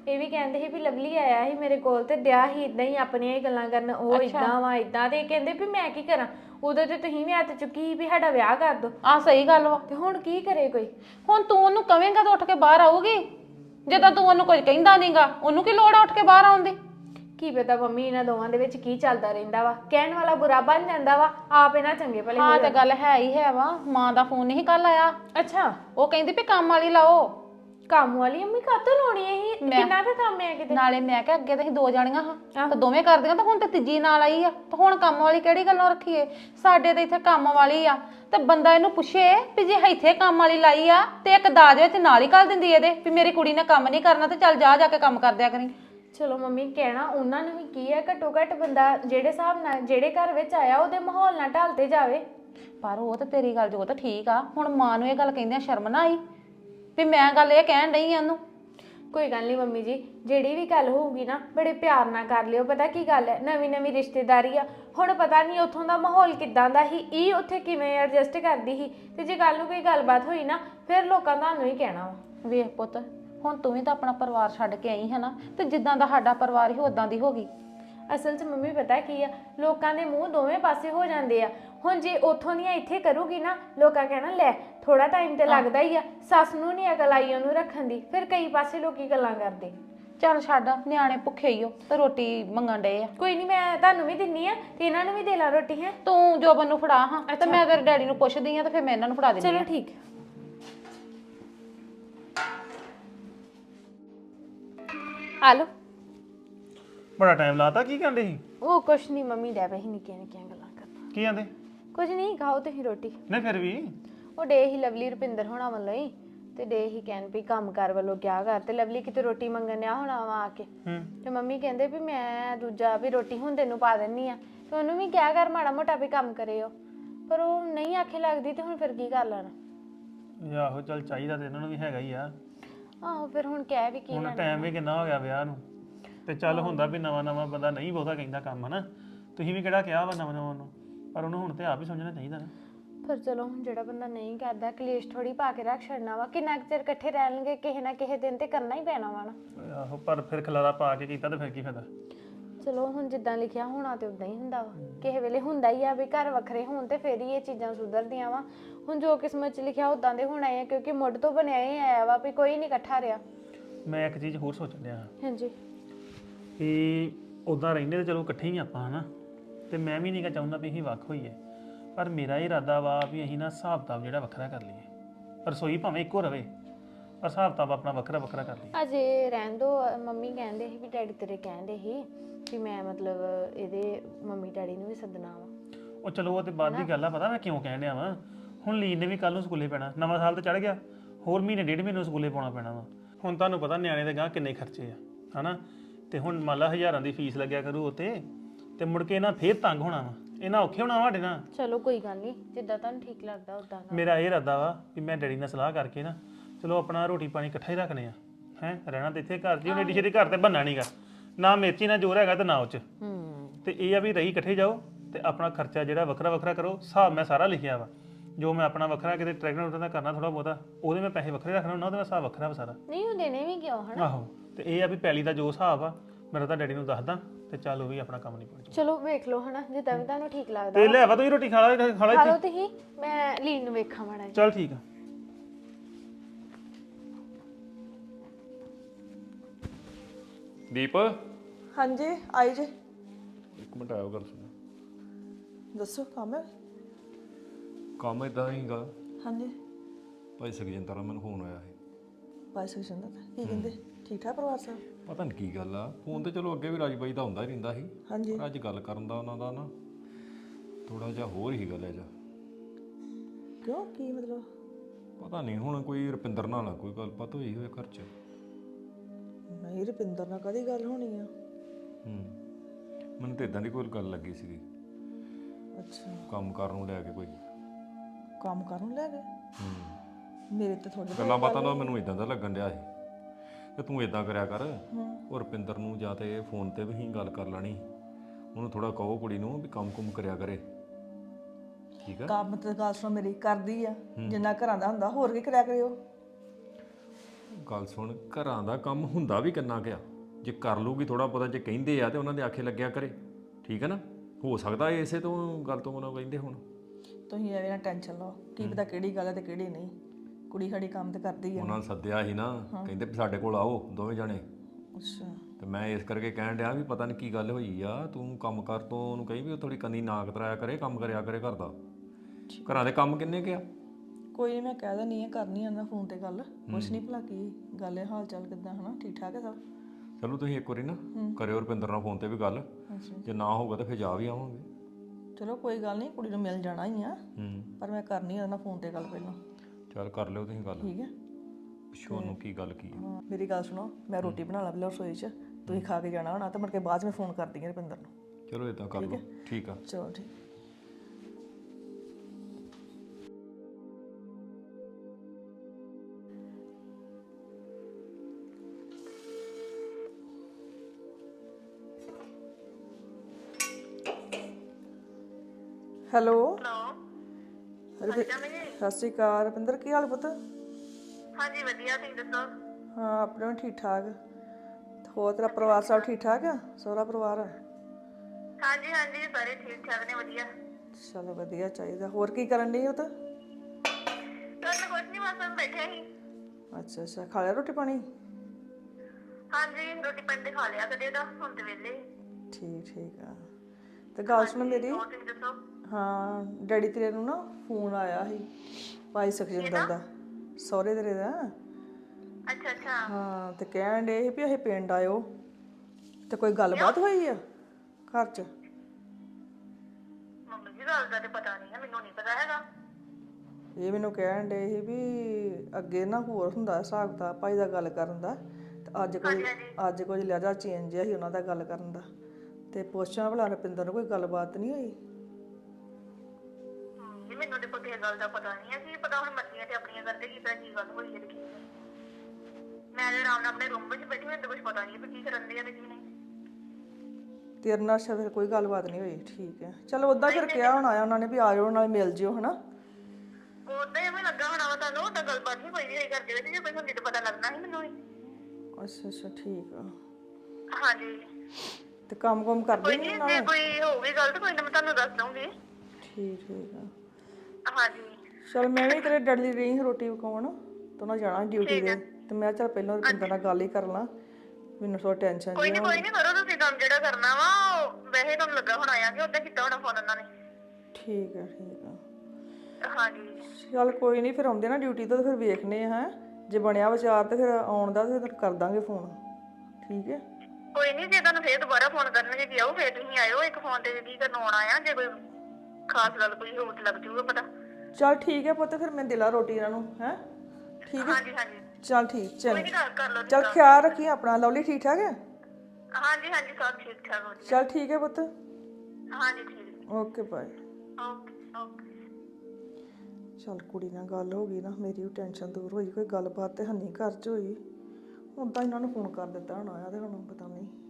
[SPEAKER 5] ਇਹ ਵੀ ਕਹਿੰਦੇ ਸੀ ਵੀ ਲਵਲੀ ਆਇਆ ਸੀ ਮੇਰੇ ਕੋਲ ਤੇ ਡਿਆ ਸੀ ਇਦਾਂ ਹੀ ਆਪਣੀਆਂ ਹੀ ਗੱਲਾਂ ਕਰਨ, ਉਹ ਇਦਾਂ ਵਾ ਇਦਾਂ, ਤੇ ਕਹਿੰਦੇ ਵੀ ਮੈਂ ਕੀ ਕਰਾਂ। ਉਦੋਂ ਤੇ ਤੁਸੀਂ ਵੀ ਹੱਥ ਚੁੱਕੀ ਸੀ ਵੀ ਸਾਡਾ ਵਿਆਹ ਕਰ ਦੋ,
[SPEAKER 4] ਆ ਸਹੀ ਗੱਲ ਵਾ।
[SPEAKER 5] ਤੇ ਹੁਣ ਕੀ ਕਰੇ ਕੋਈ।
[SPEAKER 4] ਹੁਣ ਤੂੰ ਉਹਨੂੰ ਕਵੇਂਗਾ ਤਾਂ ਉੱਠ ਕੇ ਬਾਹਰ ਆਊਗੀ? ਜਦੋਂ ਤੂੰ ਉਹਨੂੰ ਕੁਝ ਕਹਿੰਦਾ ਨਹੀਂਗਾ, ਉਹਨੂੰ ਕੀ ਲੋੜ ਆ ਉੱਠ ਕੇ ਬਾਹਰ ਆਉਣ ਦੀ?
[SPEAKER 5] ਕੀ ਪਤਾ ਮੰਮੀ ਇਹਨਾਂ ਦੋਵਾਂ ਦੇ ਵਿੱਚ ਕੀ ਚੱਲਦਾ ਰਹਿੰਦਾ ਵਾ, ਕਹਿਣ ਵਾਲਾ ਬੁਰਾ ਬਣ ਜਾਂਦਾ ਵਾ, ਆਪ ਇਹਨਾਂ ਚੰਗੇ ਭਲੇ
[SPEAKER 4] ਹਾਂ ਤੇ ਗੱਲ ਹੈ ਹੀ ਹੈ ਵਾ। ਮਾਂ ਦਾ ਫੋਨ ਨਹੀਂ ਕੱਲ ਆਇਆ,
[SPEAKER 5] ਅੱਛਾ
[SPEAKER 4] ਉਹ ਕਹਿੰਦੀ ਵੀ ਕੰਮ ਵਾਲੀ ਲਾਓ।
[SPEAKER 5] ਕੰਮ ਵਾਲੀ ਅੰਮੀ ਕਾਤੋਂ ਲਾਉਣੀ ਇਹ, ਕਿੰਨਾ ਕੁ ਕੰਮ ਹੈ ਕਿਤੇ।
[SPEAKER 4] ਨਾਲੇ ਮੈਂ ਕਿਹਾ ਅੱਗੇ ਤਾਂ ਅਸੀਂ ਦੋ ਜਾਣੀਆਂ ਹਾਂ ਤੇ ਦੋਵੇਂ ਕਰਦੀਆਂ, ਤਾਂ ਹੁਣ ਤੇ ਤੀਜੀ ਨਾਲ ਆਈ ਆ, ਤੇ ਹੁਣ ਕੰਮ ਵਾਲੀ ਕਿਹੜੀ ਗੱਲੋਂ ਰੱਖੀਏ? ਸਾਡੇ ਤੇ ਇੱਥੇ ਕੰਮ ਵਾਲੀ ਆ, ਤੇ ਬੰਦਾ ਇਹਨੂੰ ਪੁੱਛੇ ਵੀ ਜੇ ਇੱਥੇ ਕੰਮ ਵਾਲੀ ਲਾਈ ਆ ਤੇ ਇੱਕ ਦਾਜ ਵਿੱਚ ਨਾਲ ਹੀ ਕਰ ਦਿੰਦੀ ਇਹਦੇ ਵੀ ਮੇਰੀ ਕੁੜੀ ਨੇ ਕੰਮ ਨਹੀਂ ਕਰਨਾ ਤੇ ਚੱਲ ਜਾ ਜਾ ਕੇ ਕੰਮ ਕਰ ਦਿਆ ਕਰੀ।
[SPEAKER 5] ਚਲੋ ਮੰਮੀ ਕਹਿਣਾ ਉਹਨਾਂ ਨੂੰ ਵੀ ਕੀ ਹੈ, ਘੱਟੋ ਘੱਟ ਬੰਦਾ ਜਿਹੜੇ ਹਿਸਾਬ ਨਾਲ ਜਿਹੜੇ ਘਰ ਵਿੱਚ ਆਇਆ ਉਹਦੇ ਮਾਹੌਲ ਨਾਲ ਢਲ ਤੇ ਜਾਵੇ।
[SPEAKER 4] ਪਰ ਉਹ ਤਾਂ ਤੇਰੀ ਗੱਲ ਜੋ ਤਾਂ ਠੀਕ ਆ, ਹੁਣ ਮਾਂ ਨੂੰ ਇਹ ਗੱਲ ਕਹਿੰਦਿਆਂ ਸ਼ਰਮ ਨਾ ਆਈ ਵੀ ਮੈਂ ਗੱਲ ਇਹ ਕਹਿਣ ਡਈ ਆ ਉਹਨੂੰ?
[SPEAKER 5] ਕੋਈ ਗੱਲ ਨਹੀਂ ਮੰਮੀ ਜੀ, ਜਿਹੜੀ ਵੀ ਗੱਲ ਹੋਊਗੀ ਨਾ ਬੜੇ ਪਿਆਰ ਨਾਲ ਕਰ ਲਿਓ। ਪਤਾ ਕੀ ਗੱਲ ਹੈ, ਨਵੀਂ ਨਵੀਂ ਰਿਸ਼ਤੇਦਾਰੀ ਆ, ਹੁਣ ਪਤਾ ਨਹੀਂ ਉੱਥੋਂ ਦਾ ਮਾਹੌਲ ਕਿੱਦਾਂ ਦਾ ਸੀ, ਇਹ ਉੱਥੇ ਕਿਵੇਂ ਐਡਜਸਟ ਕਰਦੀ ਸੀ, ਤੇ ਜੇ ਕੱਲ ਨੂੰ ਕੋਈ ਗੱਲਬਾਤ ਹੋਈ ਨਾ ਫਿਰ ਲੋਕਾਂ ਤੁਹਾਨੂੰ ਹੀ ਕਹਿਣਾ ਵਾ।
[SPEAKER 4] ਵੇਖ ਪੁੱਤ, ਹੁਣ ਤੂੰ ਵੀ ਤਾਂ ਆਪਣਾ ਪਰਿਵਾਰ ਛੱਡ ਕੇ ਆਈ ਹੈ ਨਾ, ਤੇ ਜਿੱਦਾਂ ਦਾ ਸਾਡਾ ਪਰਿਵਾਰ ਹੀ ਉਦਾਂ ਦੀ ਹੋ ਗਈ।
[SPEAKER 5] ਅਸਲ 'ਚ ਮੰਮੀ ਪਤਾ ਕੀ ਆ, ਲੋਕਾਂ ਦੇ ਮੂੰਹ ਦੋਵੇਂ ਪਾਸੇ ਹੋ ਜਾਂਦੇ ਆ। ਹੁਣ ਜੇ ਉੱਥੋਂ ਦੀਆਂ ਇੱਥੇ ਕਰੂਗੀ ਨਾ, ਲੋਕਾਂ ਕਹਿਣਾ ਲੈ ਥੋੜਾ ਟਾਈਮ ਤੇ ਲੱਗਦਾ ਹੀ ਆ, ਸੱਸ ਨੂੰ ਨਹੀਂ ਅਕਲ ਆਈ ਉਹਨੂੰ ਰੱਖਣ ਦੀ, ਫਿਰ ਕਈ ਪਾਸੇ ਲੋਕੀ ਗੱਲਾਂ ਕਰਦੇ।
[SPEAKER 4] ਚੱਲ ਛੱਡ, ਨਿਆਣੇ ਭੁੱਖੇ ਹੀ ਹੋ ਤੇ ਰੋਟੀ ਮੰਗਣ ਡਏ ਆ।
[SPEAKER 5] ਕੋਈ ਨਹੀਂ, ਮੈਂ ਤੁਹਾਨੂੰ ਵੀ ਦਿੰਨੀ ਆ ਤੇ ਇਹਨਾਂ ਨੂੰ ਵੀ ਦੇ ਲਾ ਰੋਟੀ। ਹੈ
[SPEAKER 4] ਤੂੰ ਜੋਬਨ ਨੂੰ ਫੜਾ ਹਾਂ, ਤੇ ਮੈਂ ਤੇਰੇ ਡੈਡੀ ਨੂੰ ਪੁੱਛਦੀ ਆ ਤੇ ਫਿਰ ਮੈਂ ਇਹਨਾਂ ਨੂੰ ਫੜਾ ਦਿੰਦੀ
[SPEAKER 5] ਚਲੋ
[SPEAKER 4] ਆ।
[SPEAKER 5] ਠੀਕ। ਆਲੋ
[SPEAKER 2] ਬੜਾ ਟਾਈਮ ਲਾਤਾ, ਕੀ ਕਹਿੰਦੇ ਸੀ?
[SPEAKER 5] ਉਹ ਕੁਛ ਨਹੀਂ ਮੰਮੀ ਡੈ ਪਈ ਨਿੱਕੀਆਂ ਨਿੱਕੀਆਂ ਗੱਲਾਂ ਕਰਨਾ।
[SPEAKER 2] ਕੀ ਕਹਿੰਦੇ?
[SPEAKER 5] ਕੁਝ ਨਹੀਂ, ਖਾਓ ਤੁਸੀਂ ਰੋਟੀ।
[SPEAKER 2] ਨਹੀਂ ਫਿਰ ਵੀ
[SPEAKER 5] ਉਹ ਡੇ ਹੀ ਲਵਲੀ ਰੁਪਿੰਦਰ ਹੋਣਾ ਵੱਲੋਂ ਹੀ, ਤੇ ਡੇ ਹੀ ਕਹਿਣ ਵੀ ਕੰਮ ਕਰ ਵੱਲੋਂ ਕਿਆ ਕਰ, ਤੇ ਲਵਲੀ ਕਿਤੇ ਰੋਟੀ ਮੰਗਣ ਆ ਹੋਣਾ ਵਾ ਆ ਕੇ,
[SPEAKER 2] ਹੂੰ
[SPEAKER 5] ਤੇ ਮੰਮੀ ਕਹਿੰਦੇ ਵੀ ਮੈਂ ਦੂਜਾ ਵੀ ਰੋਟੀ ਹੁੰਦੇ ਨੂੰ ਪਾ ਦਿੰਨੀ ਆ, ਤੇ ਉਹਨੂੰ ਵੀ ਕਿਆ ਕਰ ਮਾੜਾ ਮੋਟਾ ਵੀ ਕੰਮ ਕਰਿਓ, ਪਰ ਉਹ ਨਹੀਂ ਆਖੇ ਲੱਗਦੀ, ਤੇ ਹੁਣ ਫਿਰ ਕੀ ਕਰ ਲੈਣਾ।
[SPEAKER 2] ਆਹੋ ਚੱਲ ਚਾਹੀਦਾ ਤੇ ਇਹਨਾਂ ਨੂੰ ਵੀ ਹੈਗਾ ਹੀ ਆ।
[SPEAKER 5] ਆਹੋ ਫਿਰ ਹੁਣ ਕਹਿ ਵੀ ਕੀ
[SPEAKER 2] ਹੁਣ ਟਾਈਮ ਵੀ ਕਿੰਨਾ ਹੋ ਗਿਆ ਵਿਆਹ ਨੂੰ, ਤੇ ਚੱਲ ਹੁੰਦਾ ਵੀ ਨਵਾਂ ਨਵਾਂ ਬੰਦਾ ਨਹੀਂ ਬਹੁਤਾ ਕਹਿੰਦਾ ਕੰਮ ਹਨਾ। ਤੁਸੀਂ ਵੀ ਕਿਹੜਾ ਕਿਹਾ ਵਾ ਨਵਾਂ ਨਵਾਂ ਨੂੰ, ਪਰ ਉਹਨੂੰ ਹੁਣ ਤੇ ਆਪ ਹੀ ਸਮਝਣਾ ਚਾਹੀਦਾ ਨਾ।
[SPEAKER 5] ਪਰ ਚਲੋ ਹੁਣ ਜਿਹੜਾ ਬੰਦਾ ਨਹੀਂ ਕਰਦਾ, ਕਲੇਸ਼ ਥੋੜੀ ਪਾ ਕੇ ਰੱਖ ਛੱਡਣਾ ਵਾ, ਕਿੰਨਾ ਕੁ ਚਿਰ ਇਕੱਠੇ ਰਹਿਣਗੇ, ਕਿਸੇ ਨਾ ਕਿਸੇ ਦਿਨ ਤੇ ਕਰਨਾ ਹੀ ਪੈਣਾ ਵਾ ਨਾ।
[SPEAKER 2] ਆਹੋ ਪਰ ਫਿਰ ਖਲਾਰਾ ਪਾ ਕੇ ਕੀਤਾ ਤੇ ਫਿਰ ਕੀ ਫਾਇਦਾ।
[SPEAKER 5] ਚਲੋ ਹੁਣ ਜਿੱਦਾਂ ਲਿਖਿਆ ਹੋਣਾ ਤੇ ਉਦਾਂ ਹੀ ਹੁੰਦਾ ਵਾ, ਕਿਸੇ ਵੇਲੇ ਹੁੰਦਾ ਹੀ ਆ ਵੀ ਘਰ ਵੱਖਰੇ ਹੋਣ ਤੇ ਫਿਰ ਹੀ ਇਹ ਚੀਜ਼ਾਂ ਸੁਧਰਦੀਆਂ ਵਾ। ਹੁਣ ਜੋ ਕਿਸਮਤ 'ਚ ਲਿਖਿਆ ਉਦਾਂ ਦੇ ਹੋਣਾ ਹੈ, ਕਿਉਂਕਿ ਮੁੱਢ ਤੋਂ ਬਣਿਆ ਹੀ ਆਇਆ ਵਾ ਵੀ ਕੋਈ ਨਹੀਂ ਇਕੱਠਾ ਰਿਹਾ।
[SPEAKER 2] ਮੈਂ ਇੱਕ ਚੀਜ਼ ਹੋਰ ਸੋਚਣ ਡਿਆ
[SPEAKER 5] ਹਾਂਜੀ
[SPEAKER 2] ਵੀ ਉਦਾਂ ਰਹਿੰਦੇ ਤੇ ਚਲੋ ਇਕੱਠੇ ਹੀ ਆਪਾਂ ਹਨਾ, ਤੇ ਮੈਂ ਵੀ ਨਹੀਂ ਕਾ ਚਾਹੁੰਦਾ ਵੀ ਅਸੀਂ ਵੱਖ ਹੋਈਏ, ਪਰ ਮੇਰਾ ਇਹ ਇਰਾਦਾ ਵਾ ਵੀ ਅਸੀਂ ਨਾ ਹਿਸਾਬ ਕਿਤਾਬ ਜਿਹੜਾ ਵੱਖਰਾ ਕਰ ਲਈਏ। ਰਸੋਈ ਭਾਵੇਂ ਇੱਕੋ ਰਵੇ ਪਰ ਹਿਸਾਬ ਕਿਤਾਬ ਆਪਣਾ ਵੱਖਰਾ ਵੱਖਰਾ ਕਰ ਲਈਏ।
[SPEAKER 5] ਅਜੇ ਰਹਿਣ ਦੋ, ਮੰਮੀ ਕਹਿੰਦੇ ਸੀ ਵੀ ਡੈਡੀ ਤੇਰੇ ਕਹਿੰਦੇ ਸੀ ਵੀ ਮੈਂ ਮਤਲਬ ਇਹਦੇ ਮੰਮੀ ਡੈਡੀ ਨੂੰ ਵੀ ਸੱਦਣਾ ਵਾ।
[SPEAKER 2] ਉਹ ਚਲੋ ਉਹ ਤੇ ਬਾਅਦ ਦੀ ਗੱਲ ਆ, ਪਤਾ ਮੈਂ ਕਿਉਂ ਕਹਿਣ ਡਿਆ ਵਾ। ਹੁਣ ਲੀਨ ਨੇ ਵੀ ਕੱਲ ਨੂੰ ਸਕੂਲੇ ਪੈਣਾ, ਨਵਾਂ ਸਾਲ ਤੇ ਚੜ ਗਿਆ, ਹੋਰ ਮਹੀਨੇ ਡੇਢ ਮਹੀਨੇ ਨੂੰ ਸਕੂਲੇ ਪਾਉਣਾ ਪੈਣਾ ਵਾ। ਹੁਣ ਤੁਹਾਨੂੰ ਪਤਾ ਨਿਆਣੇ ਦੇ ਗਾਂ ਕਿੰਨੇ ਖਰਚੇ ਆ ਹਨਾ, ਤੇ ਹੁਣ ਮੰਨ ਲਾ ਹਜ਼ਾਰਾਂ ਦੀ ਫੀਸ ਲੱਗਿਆ ਕਰੂ ਉੱਤੇ, ਤੇ ਮੁੜ ਕੇ ਇਹਨਾਂ ਫੇਰ ਤੰਗ ਹੋਣਾ ਵਾ, ਇਹਨਾਂ ਔਖੇ ਹੋਣਾ ਸਾਡੇ ਨਾਲ।
[SPEAKER 5] ਚਲੋ ਕੋਈ ਗੱਲ ਨਹੀਂ, ਜਿੱਦਾਂ ਤੁਹਾਨੂੰ ਠੀਕ ਲੱਗਦਾ ਉਦਾਂ।
[SPEAKER 2] ਮੇਰਾ ਇਹ ਇਰਾਦਾ ਵਾ ਵੀ ਮੈਂ ਡੈਡੀ ਨਾਲ ਸਲਾਹ ਕਰਕੇ ਨਾ ਚਲੋ ਆਪਣਾ ਰੋਟੀ ਪਾਣੀ ਇਕੱਠਾ ਹੀ ਰੱਖਨੇ ਆ ਹੈ। ਰਹਿਣਾ ਤੇ ਇੱਥੇ ਘਰ ਜੀ, ਹੁਣ ਏਡੀ ਛੇਤੀ ਘਰ ਤੇ ਬੰਨਾ ਨਹੀਂਗਾ, ਨਾ ਮਿਰਚੀ ਨਾ ਜੋਰ ਹੈਗਾ ਤੇ ਨਾ ਉੱਚ। ਤੇ ਇਹ ਆ ਵੀ ਰਹੀ ਇਕੱਠੇ ਜਾਓ ਤੇ ਆਪਣਾ ਖਰਚਾ ਜਿਹੜਾ ਵੱਖਰਾ ਵੱਖਰਾ ਕਰੋ। ਹਿਸਾਬ ਮੈਂ ਸਾਰਾ ਲਿਖਿਆ ਵਾ, ਜੋ ਮੈਂ ਆਪਣਾ ਵੱਖਰਾ ਕਿਤੇ ਟਰੈਕਟਰ ਦਾ ਕਰਨਾ ਥੋੜਾ ਬਹੁਤਾ, ਉਹਦੇ ਮੈਂ ਪੈਸੇ ਵੱਖਰੇ ਰੱਖਣਾ ਹੁੰਦਾ, ਉਹਦੇ ਮੈਂ ਹਿਸਾਬ ਵੱਖਰਾ ਵਾ ਸਾਰਾ।
[SPEAKER 5] ਨਹੀਂ ਉਹ ਦੇਣੇ ਵੀ ਕਿਉਂ ਹਨਾ।
[SPEAKER 2] ਆਹੋ ਤੇ ਇਹ ਆ ਵੀ ਪੈਲੀ ਦਾ ਜੋ ਹਿਸਾਬ ਆ ਮੇਰਾ ਤਾਂ ਡੈਡੀ ਨੂੰ ਦੱਸਦਾ, ਤੇ ਚੱਲ ਉਹ ਵੀ ਆਪਣਾ ਕੰਮ ਨਹੀਂ ਪੜ
[SPEAKER 5] ਚਲੋ ਵੇਖ ਲਓ ਹਨਾ, ਜਿੱਦਾਂ ਵੀ ਤੁਹਾਨੂੰ ਠੀਕ ਲੱਗਦਾ।
[SPEAKER 2] ਤੇ ਲੈ ਆਵਾ ਤੂੰ ਰੋਟੀ ਖਾ ਲਾ ਖਾ ਲਾ
[SPEAKER 5] ਖਾ
[SPEAKER 2] ਇੱਥੇ।
[SPEAKER 5] ਲਓ ਤੁਸੀਂ, ਮੈਂ ਲੀਨ ਨੂੰ ਵੇਖਾਂ ਮਾੜਾ ਜਿਹਾ।
[SPEAKER 2] ਚੱਲ ਠੀਕ ਆ।
[SPEAKER 6] ਦੀਪ
[SPEAKER 7] ਹਾਂਜੀ ਆਈ ਜੇ।
[SPEAKER 6] ਇੱਕ ਮਿੰਟ ਆਇਓ, ਗੱਲ ਸੁਣ।
[SPEAKER 7] ਦੱਸੋ ਕੰਮ ਹੈ?
[SPEAKER 6] ਕੰਮ ਇਦਾਂ ਹੀਗਾ,
[SPEAKER 7] ਹਾਂਜੀ
[SPEAKER 6] ਭਾਈ ਸੁਖਜਿੰਦਰ ਦਾ ਮੈਨੂੰ ਫੋਨ ਆਇਆ ਸੀ।
[SPEAKER 7] ਭਾਈ ਸੁਖਜਿੰਦਰ ਦਾ ਕੀ ਕਹਿੰਦੇ? ਠੀਕ ਠਾਕ ਪਰਿਵਾਰ ਸਭ?
[SPEAKER 6] ਪਤਾ ਨਹੀਂ ਕੀ ਗੱਲ ਆ, ਫੋਨ ਤੇ ਚਲੋ ਅੱਗੇ ਵੀ ਰਾਜ ਬਾਈ ਦਾ ਹੁੰਦਾ ਹੀ ਰਹਿੰਦਾ ਸੀ,
[SPEAKER 7] ਹਾਂਜੀ
[SPEAKER 6] ਪਰ ਅੱਜ ਗੱਲ ਕਰਨ ਦਾ ਉਹਨਾਂ ਦਾ ਨਾ ਥੋੜਾ ਜਿਹਾ ਹੋਰ ਹੀ ਗੱਲ ਹੈ ਜਾ।
[SPEAKER 7] ਕਿਉਂ ਕੀ ਮਤਲਬ?
[SPEAKER 6] ਪਤਾ ਨਹੀਂ ਹੁਣ ਕੋਈ ਰੁਪਿੰਦਰ ਨਾਲ ਆ ਕੋਈ ਗੱਲਬਾਤ ਹੋਈ ਹੋਵੇ ਘਰ 'ਚ।
[SPEAKER 7] ਨਹੀਂ ਰੁਪਿੰਦਰ ਨਾਲ ਕਦੀ ਗੱਲ ਹੋਣੀ ਆ?
[SPEAKER 6] ਹੂੰ ਮੈਨੂੰ ਤੇ ਇਦਾਂ ਦੀ ਕੋਈ ਗੱਲ ਲੱਗੀ ਸੀਗੀ,
[SPEAKER 7] ਅੱਛਾ
[SPEAKER 6] ਕੰਮ ਕਰਨ ਨੂੰ ਲੈ ਕੇ ਕੋਈ।
[SPEAKER 7] ਕੰਮ ਕਰਨ ਨੂੰ ਲੈ ਗਏ?
[SPEAKER 6] ਹੂੰ
[SPEAKER 7] ਮੇਰੇ ਤੇ ਥੋੜੀ
[SPEAKER 6] ਗੱਲਾਂ ਬਾਤਾਂ ਦਾ ਮੈਨੂੰ ਇਦਾਂ ਦਾ ਲੱਗਣ ਡਿਆ ਸੀ, ਤੇ ਤੂੰ ਇਦਾਂ ਕਰਿਆ ਕਰ, ਉਹ ਰੁਪਿੰਦਰ ਨੂੰ ਜਾਂ ਤੇ ਫੋਨ ਤੇ ਵੀ ਹੀ ਗੱਲ ਕਰ ਲੈਣੀ, ਉਹਨੂੰ ਥੋੜਾ ਕਹੋ ਕੁੜੀ ਨੂੰ ਵੀ ਕੰਮ ਕੁਮ ਕਰਿਆ ਕਰੇ, ਠੀਕ ਆ?
[SPEAKER 7] ਕੰਮ ਤੇ ਗੱਲ ਸੁਣ ਮੇਰੀ ਕਰਦੀ ਆ, ਜਿੰਨਾ ਘਰਾਂ ਦਾ ਹੁੰਦਾ, ਹੋਰ ਕੀ ਕਰਿਆ ਕਰਿਓ।
[SPEAKER 6] ਗੱਲ ਸੁਣ, ਘਰਾਂ ਦਾ ਕੰਮ ਹੁੰਦਾ ਵੀ ਕਿੰਨਾ ਕੁ ਆ। ਜੇ ਕਰ ਲੂਗੀ ਥੋੜਾ ਬਹੁਤਾ, ਜੇ ਕਹਿੰਦੇ ਆ ਤੇ ਉਹਨਾਂ ਦੇ ਆਖੇ ਲੱਗਿਆ ਕਰੇ, ਠੀਕ ਹੈ ਨਾ। ਹੋ ਸਕਦਾ ਇਹ ਇਸੇ ਤੋਂ ਗੱਲ ਤੋਂ ਉਹਨਾਂ ਕਹਿੰਦੇ ਹੁਣ।
[SPEAKER 7] ਤੁਸੀਂ ਐਵੇਂ ਨਾ ਟੈਨਸ਼ਨ ਲਓ, ਕੀ ਪਤਾ ਕਿਹੜੀ ਗੱਲ ਹੈ ਤੇ ਕਿਹੜੀ ਨਹੀਂ। ਕੁੜੀ ਸਾਡੀ ਕੰਮ ਤੇ ਕਰਦੀ ਹੈ।
[SPEAKER 6] ਉਹਨਾਂ ਨੂੰ ਸੱਦਿਆ ਸੀ ਨਾ, ਕਹਿੰਦੇ ਵੀ ਸਾਡੇ ਕੋਲ ਆਓ ਦੋਵੇਂ ਜਾਣੇ।
[SPEAKER 7] ਅੱਛਾ।
[SPEAKER 6] ਤੇ ਮੈਂ ਇਸ ਕਰਕੇ ਕਹਿਣ ਡਿਆ ਵੀ ਪਤਾ ਨਹੀਂ ਕੀ ਗੱਲ ਹੋਈ ਆ। ਤੂੰ ਕੰਮ ਕਰ ਤੋਂ ਉਹਨੂੰ ਕਹੀ ਵੀ ਉਹ ਥੋੜੀ ਕੰਨੀ ਨਾ ਕਤਰਾਇਆ ਕਰੇ, ਕੰਮ ਕਰਿਆ ਕਰੇ ਘਰ ਦਾ। ਘਰਾਂ ਦੇ ਕੰਮ ਕਿੰਨੇ ਕੁ ਆ?
[SPEAKER 7] ਕੋਈ ਨਹੀਂ, ਮੈਂ ਕਹਿ ਦਿੰਦੀ ਆ, ਕਰਨੀ ਆ ਨਾ ਫੋਨ ਤੇ ਗੱਲ। ਕੁਛ ਨਹੀਂ, ਭਲਾ ਕੀ ਗੱਲ ਹੈ, ਹਾਲ ਚਾਲ ਕਿੱਦਾਂ, ਹਨਾ ਠੀਕ ਠਾਕ ਹੈ ਸਭ?
[SPEAKER 6] ਚਲੋ ਤੁਸੀਂ ਇੱਕ ਵਾਰੀ ਨਾ ਕਰਿਓ ਰੁਪਿੰਦਰ ਨਾਲ ਫੋਨ ਤੇ ਵੀ ਗੱਲ। ਜੇ ਨਾ ਹੋਊਗਾ ਤਾਂ ਫਿਰ ਜਾ ਵੀ ਆਵਾਂਗੇ।
[SPEAKER 7] ਚਲੋ ਕੋਈ ਗੱਲ ਨਹੀਂ, ਕੁੜੀ ਨੂੰ ਮਿਲ ਜਾਣਾ ਹੀ ਆ,
[SPEAKER 6] ਹੂੰ
[SPEAKER 7] ਪਰ ਮੈਂ ਕਰਨੀ ਆ ਨਾ ਫੋਨ ਤੇ ਗੱਲ ਪਹਿਲਾਂ।
[SPEAKER 6] ਚੱਲ ਕਰ ਲਿਓ ਤੁਸੀਂ ਗੱਲ,
[SPEAKER 7] ਠੀਕ ਹੈ।
[SPEAKER 6] ਪੁੱਛੋ ਉਹਨੂੰ ਕੀ ਗੱਲ ਕੀ ਆ।
[SPEAKER 7] ਹਾਂ, ਮੇਰੀ ਗੱਲ ਸੁਣੋ, ਮੈਂ ਰੋਟੀ ਬਣਾ ਲਾ ਪਹਿਲਾਂ ਰਸੋਈ 'ਚ, ਤੁਸੀਂ ਖਾ ਕੇ ਜਾਣਾ ਹੋਣਾ, ਤਾਂ ਮੁੜ ਕੇ ਬਾਅਦ 'ਚ ਮੈਂ ਫੋਨ ਕਰਦੀ ਹਾਂ ਰੁਪਿੰਦਰ ਨੂੰ।
[SPEAKER 6] ਚਲੋ ਇਦਾਂ ਕਰ ਲਓ, ਠੀਕ ਆ।
[SPEAKER 7] ਚਲੋ ਠੀਕ। ਹੈਲੋ। ਹੈਲੋ। ਸਤਿ ਸ਼੍ਰੀ ਅਕਾਲ ਰੁਪਿੰਦਰ, ਕੀ ਹਾਲ ਪੁੱਤ?
[SPEAKER 8] ਹਾਂਜੀ ਵਧੀਆ, ਤੁਸੀਂ ਦੱਸੋ?
[SPEAKER 7] ਹਾਂ, ਆਪਣੇ ਵੀ ਠੀਕ ਠਾਕ। ਹੋਰ ਤੇਰਾ ਪਰਿਵਾਰ ਸਭ ਠੀਕ ਠਾਕ ਆ? ਸਹੁਰਾ ਪਰਿਵਾਰ?
[SPEAKER 8] ਹਾਂਜੀ ਹਾਂਜੀ ਸਾਰੇ ਠੀਕ ਠਾਕ ਨੇ, ਵਧੀਆ।
[SPEAKER 7] ਚਲੋ ਵਧੀਆ ਚਾਹੀਦਾ। ਹੋਰ ਕੀ ਕਰਨ ਡਈ ਉਹ ਤਾਂ?
[SPEAKER 8] ਤੁਹਾਨੂੰ ਕੁਝ ਨਹੀਂ, ਬਸ ਹੁਣ ਬੈਠੇ ਸੀ।
[SPEAKER 7] ਅੱਛਾ ਅੱਛਾ, ਖਾ ਲਿਆ ਰੋਟੀ ਪਾਣੀ?
[SPEAKER 8] ਹਾਂਜੀ, ਰੋਟੀ ਪਾਣੀ ਤੇ ਖਾ ਲਿਆ ਕਦੇ ਦਾ, ਹੁਣ ਤੇ ਵਿਹਲੇ।
[SPEAKER 7] ਠੀਕ ਠੀਕ ਆ। ਤੇ ਗੱਲ ਸੁਣ ਮੇਰੀ।
[SPEAKER 8] ਹੋਰ ਤੁਸੀਂ ਦੱਸੋ?
[SPEAKER 7] ਹਾਂ, ਡੈਡੀ ਤੇਰੇ ਨੂੰ ਨਾ ਫੋਨ ਆਇਆ ਸੀ ਭਾਈ ਸੁਖਜਿੰਦਰ ਦਾ, ਸਹੁਰੇ ਤੇਰੇ ਦਾ।
[SPEAKER 8] ਅੱਛਾ ਅੱਛਾ।
[SPEAKER 7] ਹਾਂ, ਤੇ ਕਹਿਣ ਡੇ ਸੀ ਵੀ ਅਸੀਂ ਪਿੰਡ ਆਇਓ। ਤੇ ਕੋਈ ਗੱਲਬਾਤ ਹੋਈ ਆ ਘਰ 'ਚ?
[SPEAKER 8] ਮੰਮੀ ਜੀ ਗੱਲ ਦਾ ਤੇ ਪਤਾ ਨਹੀਂ ਹੈ, ਮੈਨੂੰ ਨਹੀਂ ਪਤਾ ਹੈਗਾ।
[SPEAKER 7] ਇਹ ਮੈਨੂੰ ਕਹਿਣ ਡੇ ਸੀ ਵੀ ਅੱਗੇ ਨਾ ਹੋਰ ਹੁੰਦਾ ਹਿਸਾਬ ਕਿਤਾਬ ਭਾਈ ਦਾ ਗੱਲ ਕਰਨ ਦਾ, ਤੇ ਅੱਜ ਕੋਈ ਅੱਜ ਕੁਝ ਲਿਆਦਾ ਚੇਂਜ ਸੀ ਉਹਨਾਂ ਦਾ ਗੱਲ ਕਰਨ ਦਾ। ਤੇ ਪੁੱਛਾਂ ਭਲਾ ਰੁਪਿੰਦਰ ਨੂੰ ਕੋਈ ਗੱਲਬਾਤ ਨਹੀਂ ਹੋਈ?
[SPEAKER 8] ਜੀ ਮੈਨੂੰ ਤੇ ਕੋਈ ਗੱਲ ਦਾ ਪਤਾ ਨਹੀਂ ਹੈ, ਕੀ ਪਤਾ ਹੁਣ ਮਰਜ਼ੀਆਂ ਤੇ ਆਪਣੀਆਂ ਕਰਦੇ, ਕੀ ਪਤਾ ਕੀ ਗੱਲ ਹੋਈ ਹੈ ਤੇ ਕੀ ਨਹੀਂ। ਮੈਂ ਤੇ ਆਰਾਮ ਨਾਲ ਆਪਣੇ ਰੂਮ ਵਿੱਚ ਬੈਠੀ, ਮੈਨੂੰ ਤਾਂ ਕੁਝ ਪਤਾ ਨਹੀਂ ਵੀ ਕੀ ਕਰਨ ਦੇ ਆ ਤੇ ਕੀ ਨਹੀਂ।
[SPEAKER 7] ਤੇਰੇ ਨਾਲ ਫਿਰ ਕੋਈ ਗੱਲਬਾਤ ਨਹੀਂ ਹੋਈ? ਠੀਕ ਹੈ, ਚਲੋ ਉੱਦਾਂ ਫਿਰ ਕਿਹਾ ਹੋਣਾ ਆ ਉਹਨਾਂ ਨੇ ਵੀ ਆ ਜਾਓ ਨਾਲ ਮਿਲ ਜਿਓ, ਹਨਾ?
[SPEAKER 8] ਉਦਾਂ ਹੀ ਐਵੇਂ ਲੱਗਾ ਹੋਣਾ ਵਾ ਤੁਹਾਨੂੰ, ਉਦਾਂ ਗੱਲਬਾਤ ਨਹੀਂ ਕੋਈ ਵੀ ਹੋਈ ਘਰ ਦੇ ਵਿੱਚ। ਜੇ ਕੋਈ ਹੁੰਦੀ ਤਾਂ ਪਤਾ ਲੱਗਣਾ ਸੀ ਮੈਨੂੰ ਵੀ।
[SPEAKER 7] ਅੱਛਾ ਅੱਛਾ, ਠੀਕ ਆ।
[SPEAKER 8] ਹਾਂਜੀ।
[SPEAKER 7] ਤੇ ਕੰਮ ਕੁਮ ਕਰਦੇ
[SPEAKER 8] ਕੋਈ
[SPEAKER 7] ਨਹੀਂ
[SPEAKER 8] ਨਹੀਂ,
[SPEAKER 7] ਨਾਲ?
[SPEAKER 8] ਜੇ ਕੋਈ ਹੋਊਗੀ ਗੱਲ ਤਾਂ ਕੋਈ ਨਾ ਮੈਂ ਤੁਹਾਨੂੰ ਦੱਸ ਦਊਂਗੀ।
[SPEAKER 7] ਠੀਕ ਠੀਕ ਆ।
[SPEAKER 8] ਹਾਂਜੀ।
[SPEAKER 7] ਚਲ ਮੈਂ ਵੀ ਤੇਰੇ ਡੈਡੀ ਦੀ ਰਹੀ ਸੀ ਰੋਟੀ ਪਕਾਉਣ, ਤੇ ਉਹਨਾਂ ਜਾਣਾ ਡਿਊਟੀ
[SPEAKER 8] ਠੀਕ
[SPEAKER 7] ਤੇ,
[SPEAKER 8] ਆ।
[SPEAKER 7] ਤੇ ਮੈਂ ਚੱਲ ਪਹਿਲਾਂ ਰੁਪਿੰਦਰ ਨਾਲ ਗੱਲ ਹੀ ਕਰ ਲਾਂ, ਮੈਨੂੰ ਥੋੜਾ ਟੈਨਸ਼ਨ
[SPEAKER 8] ਕੋਈ
[SPEAKER 7] ਜੀ
[SPEAKER 8] ਨਹੀਂ
[SPEAKER 7] ਹੋ
[SPEAKER 8] ਕੋਈ
[SPEAKER 7] ਗਈ।
[SPEAKER 8] ਨਹੀਂ, ਕਰੋ ਤੁਸੀਂ ਕੰਮ ਜਿਹੜਾ ਕਰਨਾ ਵਾ। ਉਹ ਵੈਸੇ ਤੁਹਾਨੂੰ ਲੱਗਾ ਹੋਣਾ ਆ ਕਿ ਉਦਾਂ ਕੀਤਾ ਹੋਣਾ ਫੋਨ ਉਹਨਾਂ ਨੇ।
[SPEAKER 7] ਠੀਕ ਆ ਠੀਕ ਆ।
[SPEAKER 8] ਹਾਂਜੀ।
[SPEAKER 7] ਚੱਲ ਕੋਈ ਨਹੀਂ, ਫਿਰ ਆਉਂਦੇ ਨਾ ਡਿਊਟੀ ਤੋਂ, ਤੇ ਫਿਰ ਵੇਖਨੇ ਆ, ਜੇ ਬਣਿਆ ਵਿਚਾਰ ਤੇ ਫਿਰ ਆਉਣ ਦਾ, ਤੇ ਫਿਰ ਕਰ ਦਾਂਗੇ ਫੋਨ। ਠੀਕ ਹੈ।
[SPEAKER 8] ਕੋਈ ਨਹੀਂ, ਜੇ ਤੁਹਾਨੂੰ ਫੇਰ ਦੁਬਾਰਾ ਫੋਨ ਕਰਨਗੇ ਕਿ ਆਓ, ਫੇਰ ਤੁਸੀਂ ਆਇਓ। ਇੱਕ ਫੋਨ ਤੇ ਕੀ ਕਰਨ ਆਉਣਾ ਆ, ਜੇ ਕੋਈ ਖਾਸ ਗੱਲ ਕੋਈ ਹੋਊ ਤਾਂ ਲੱਗ ਜੂਗਾ ਪਤਾ।
[SPEAKER 7] ਚੱਲ ਠੀਕ ਹੈ ਪੁੱਤ, ਫਿਰ ਮੈਂ ਦਿਲਾ ਰੋਟੀ ਇਹਨਾਂ ਨੂੰ, ਹੈ? ਠੀਕ ਹੈ।
[SPEAKER 8] ਹਾਂਜੀ ਹਾਂਜੀ।
[SPEAKER 7] ਚੱਲ ਠੀਕ, ਚਲ
[SPEAKER 8] ਕੋਈ ਨਹੀਂ, ਕਰ ਕਰ ਲਓ
[SPEAKER 7] ਚੱਲ
[SPEAKER 8] ਤੁਸੀਂ
[SPEAKER 7] ਖਿਆਲ ਰੱਖੀ ਆਪਣਾ। ਲਵਲੀ ਠੀਕ ਠਾਕ ਹੈ?
[SPEAKER 8] ਕੰਮ। ਹਾਂਜੀ ਹਾਂਜੀ ਸਭ ਠੀਕ ਠਾਕ ਵਧੀਆ।
[SPEAKER 7] ਚੱਲ ਠੀਕ ਹੈ ਪੁੱਤ।
[SPEAKER 8] ਹਾਂਜੀ ਠੀਕ।
[SPEAKER 7] Okay bye.
[SPEAKER 8] Okay okay.
[SPEAKER 7] ਚੱਲ ਕੁੜੀ ਨਾਲ ਗੱਲ ਹੋ ਗਈ ਨਾ, ਮੇਰੀ ਵੀ ਟੈਨਸ਼ਨ ਦੂਰ ਹੋਈ। ਕੋਈ ਗੱਲਬਾਤ ਤੇ ਹੰਨੀ ਘਰ 'ਚ ਹੋਈ, ਉੱਦਾਂ ਇਹਨਾਂ ਨੂੰ ਫੋਨ ਕਰ ਦਿੱਤਾ ਹੋਣਾ ਆ, ਤੇ ਹੁਣ ਪਤਾ ਨਹੀਂ।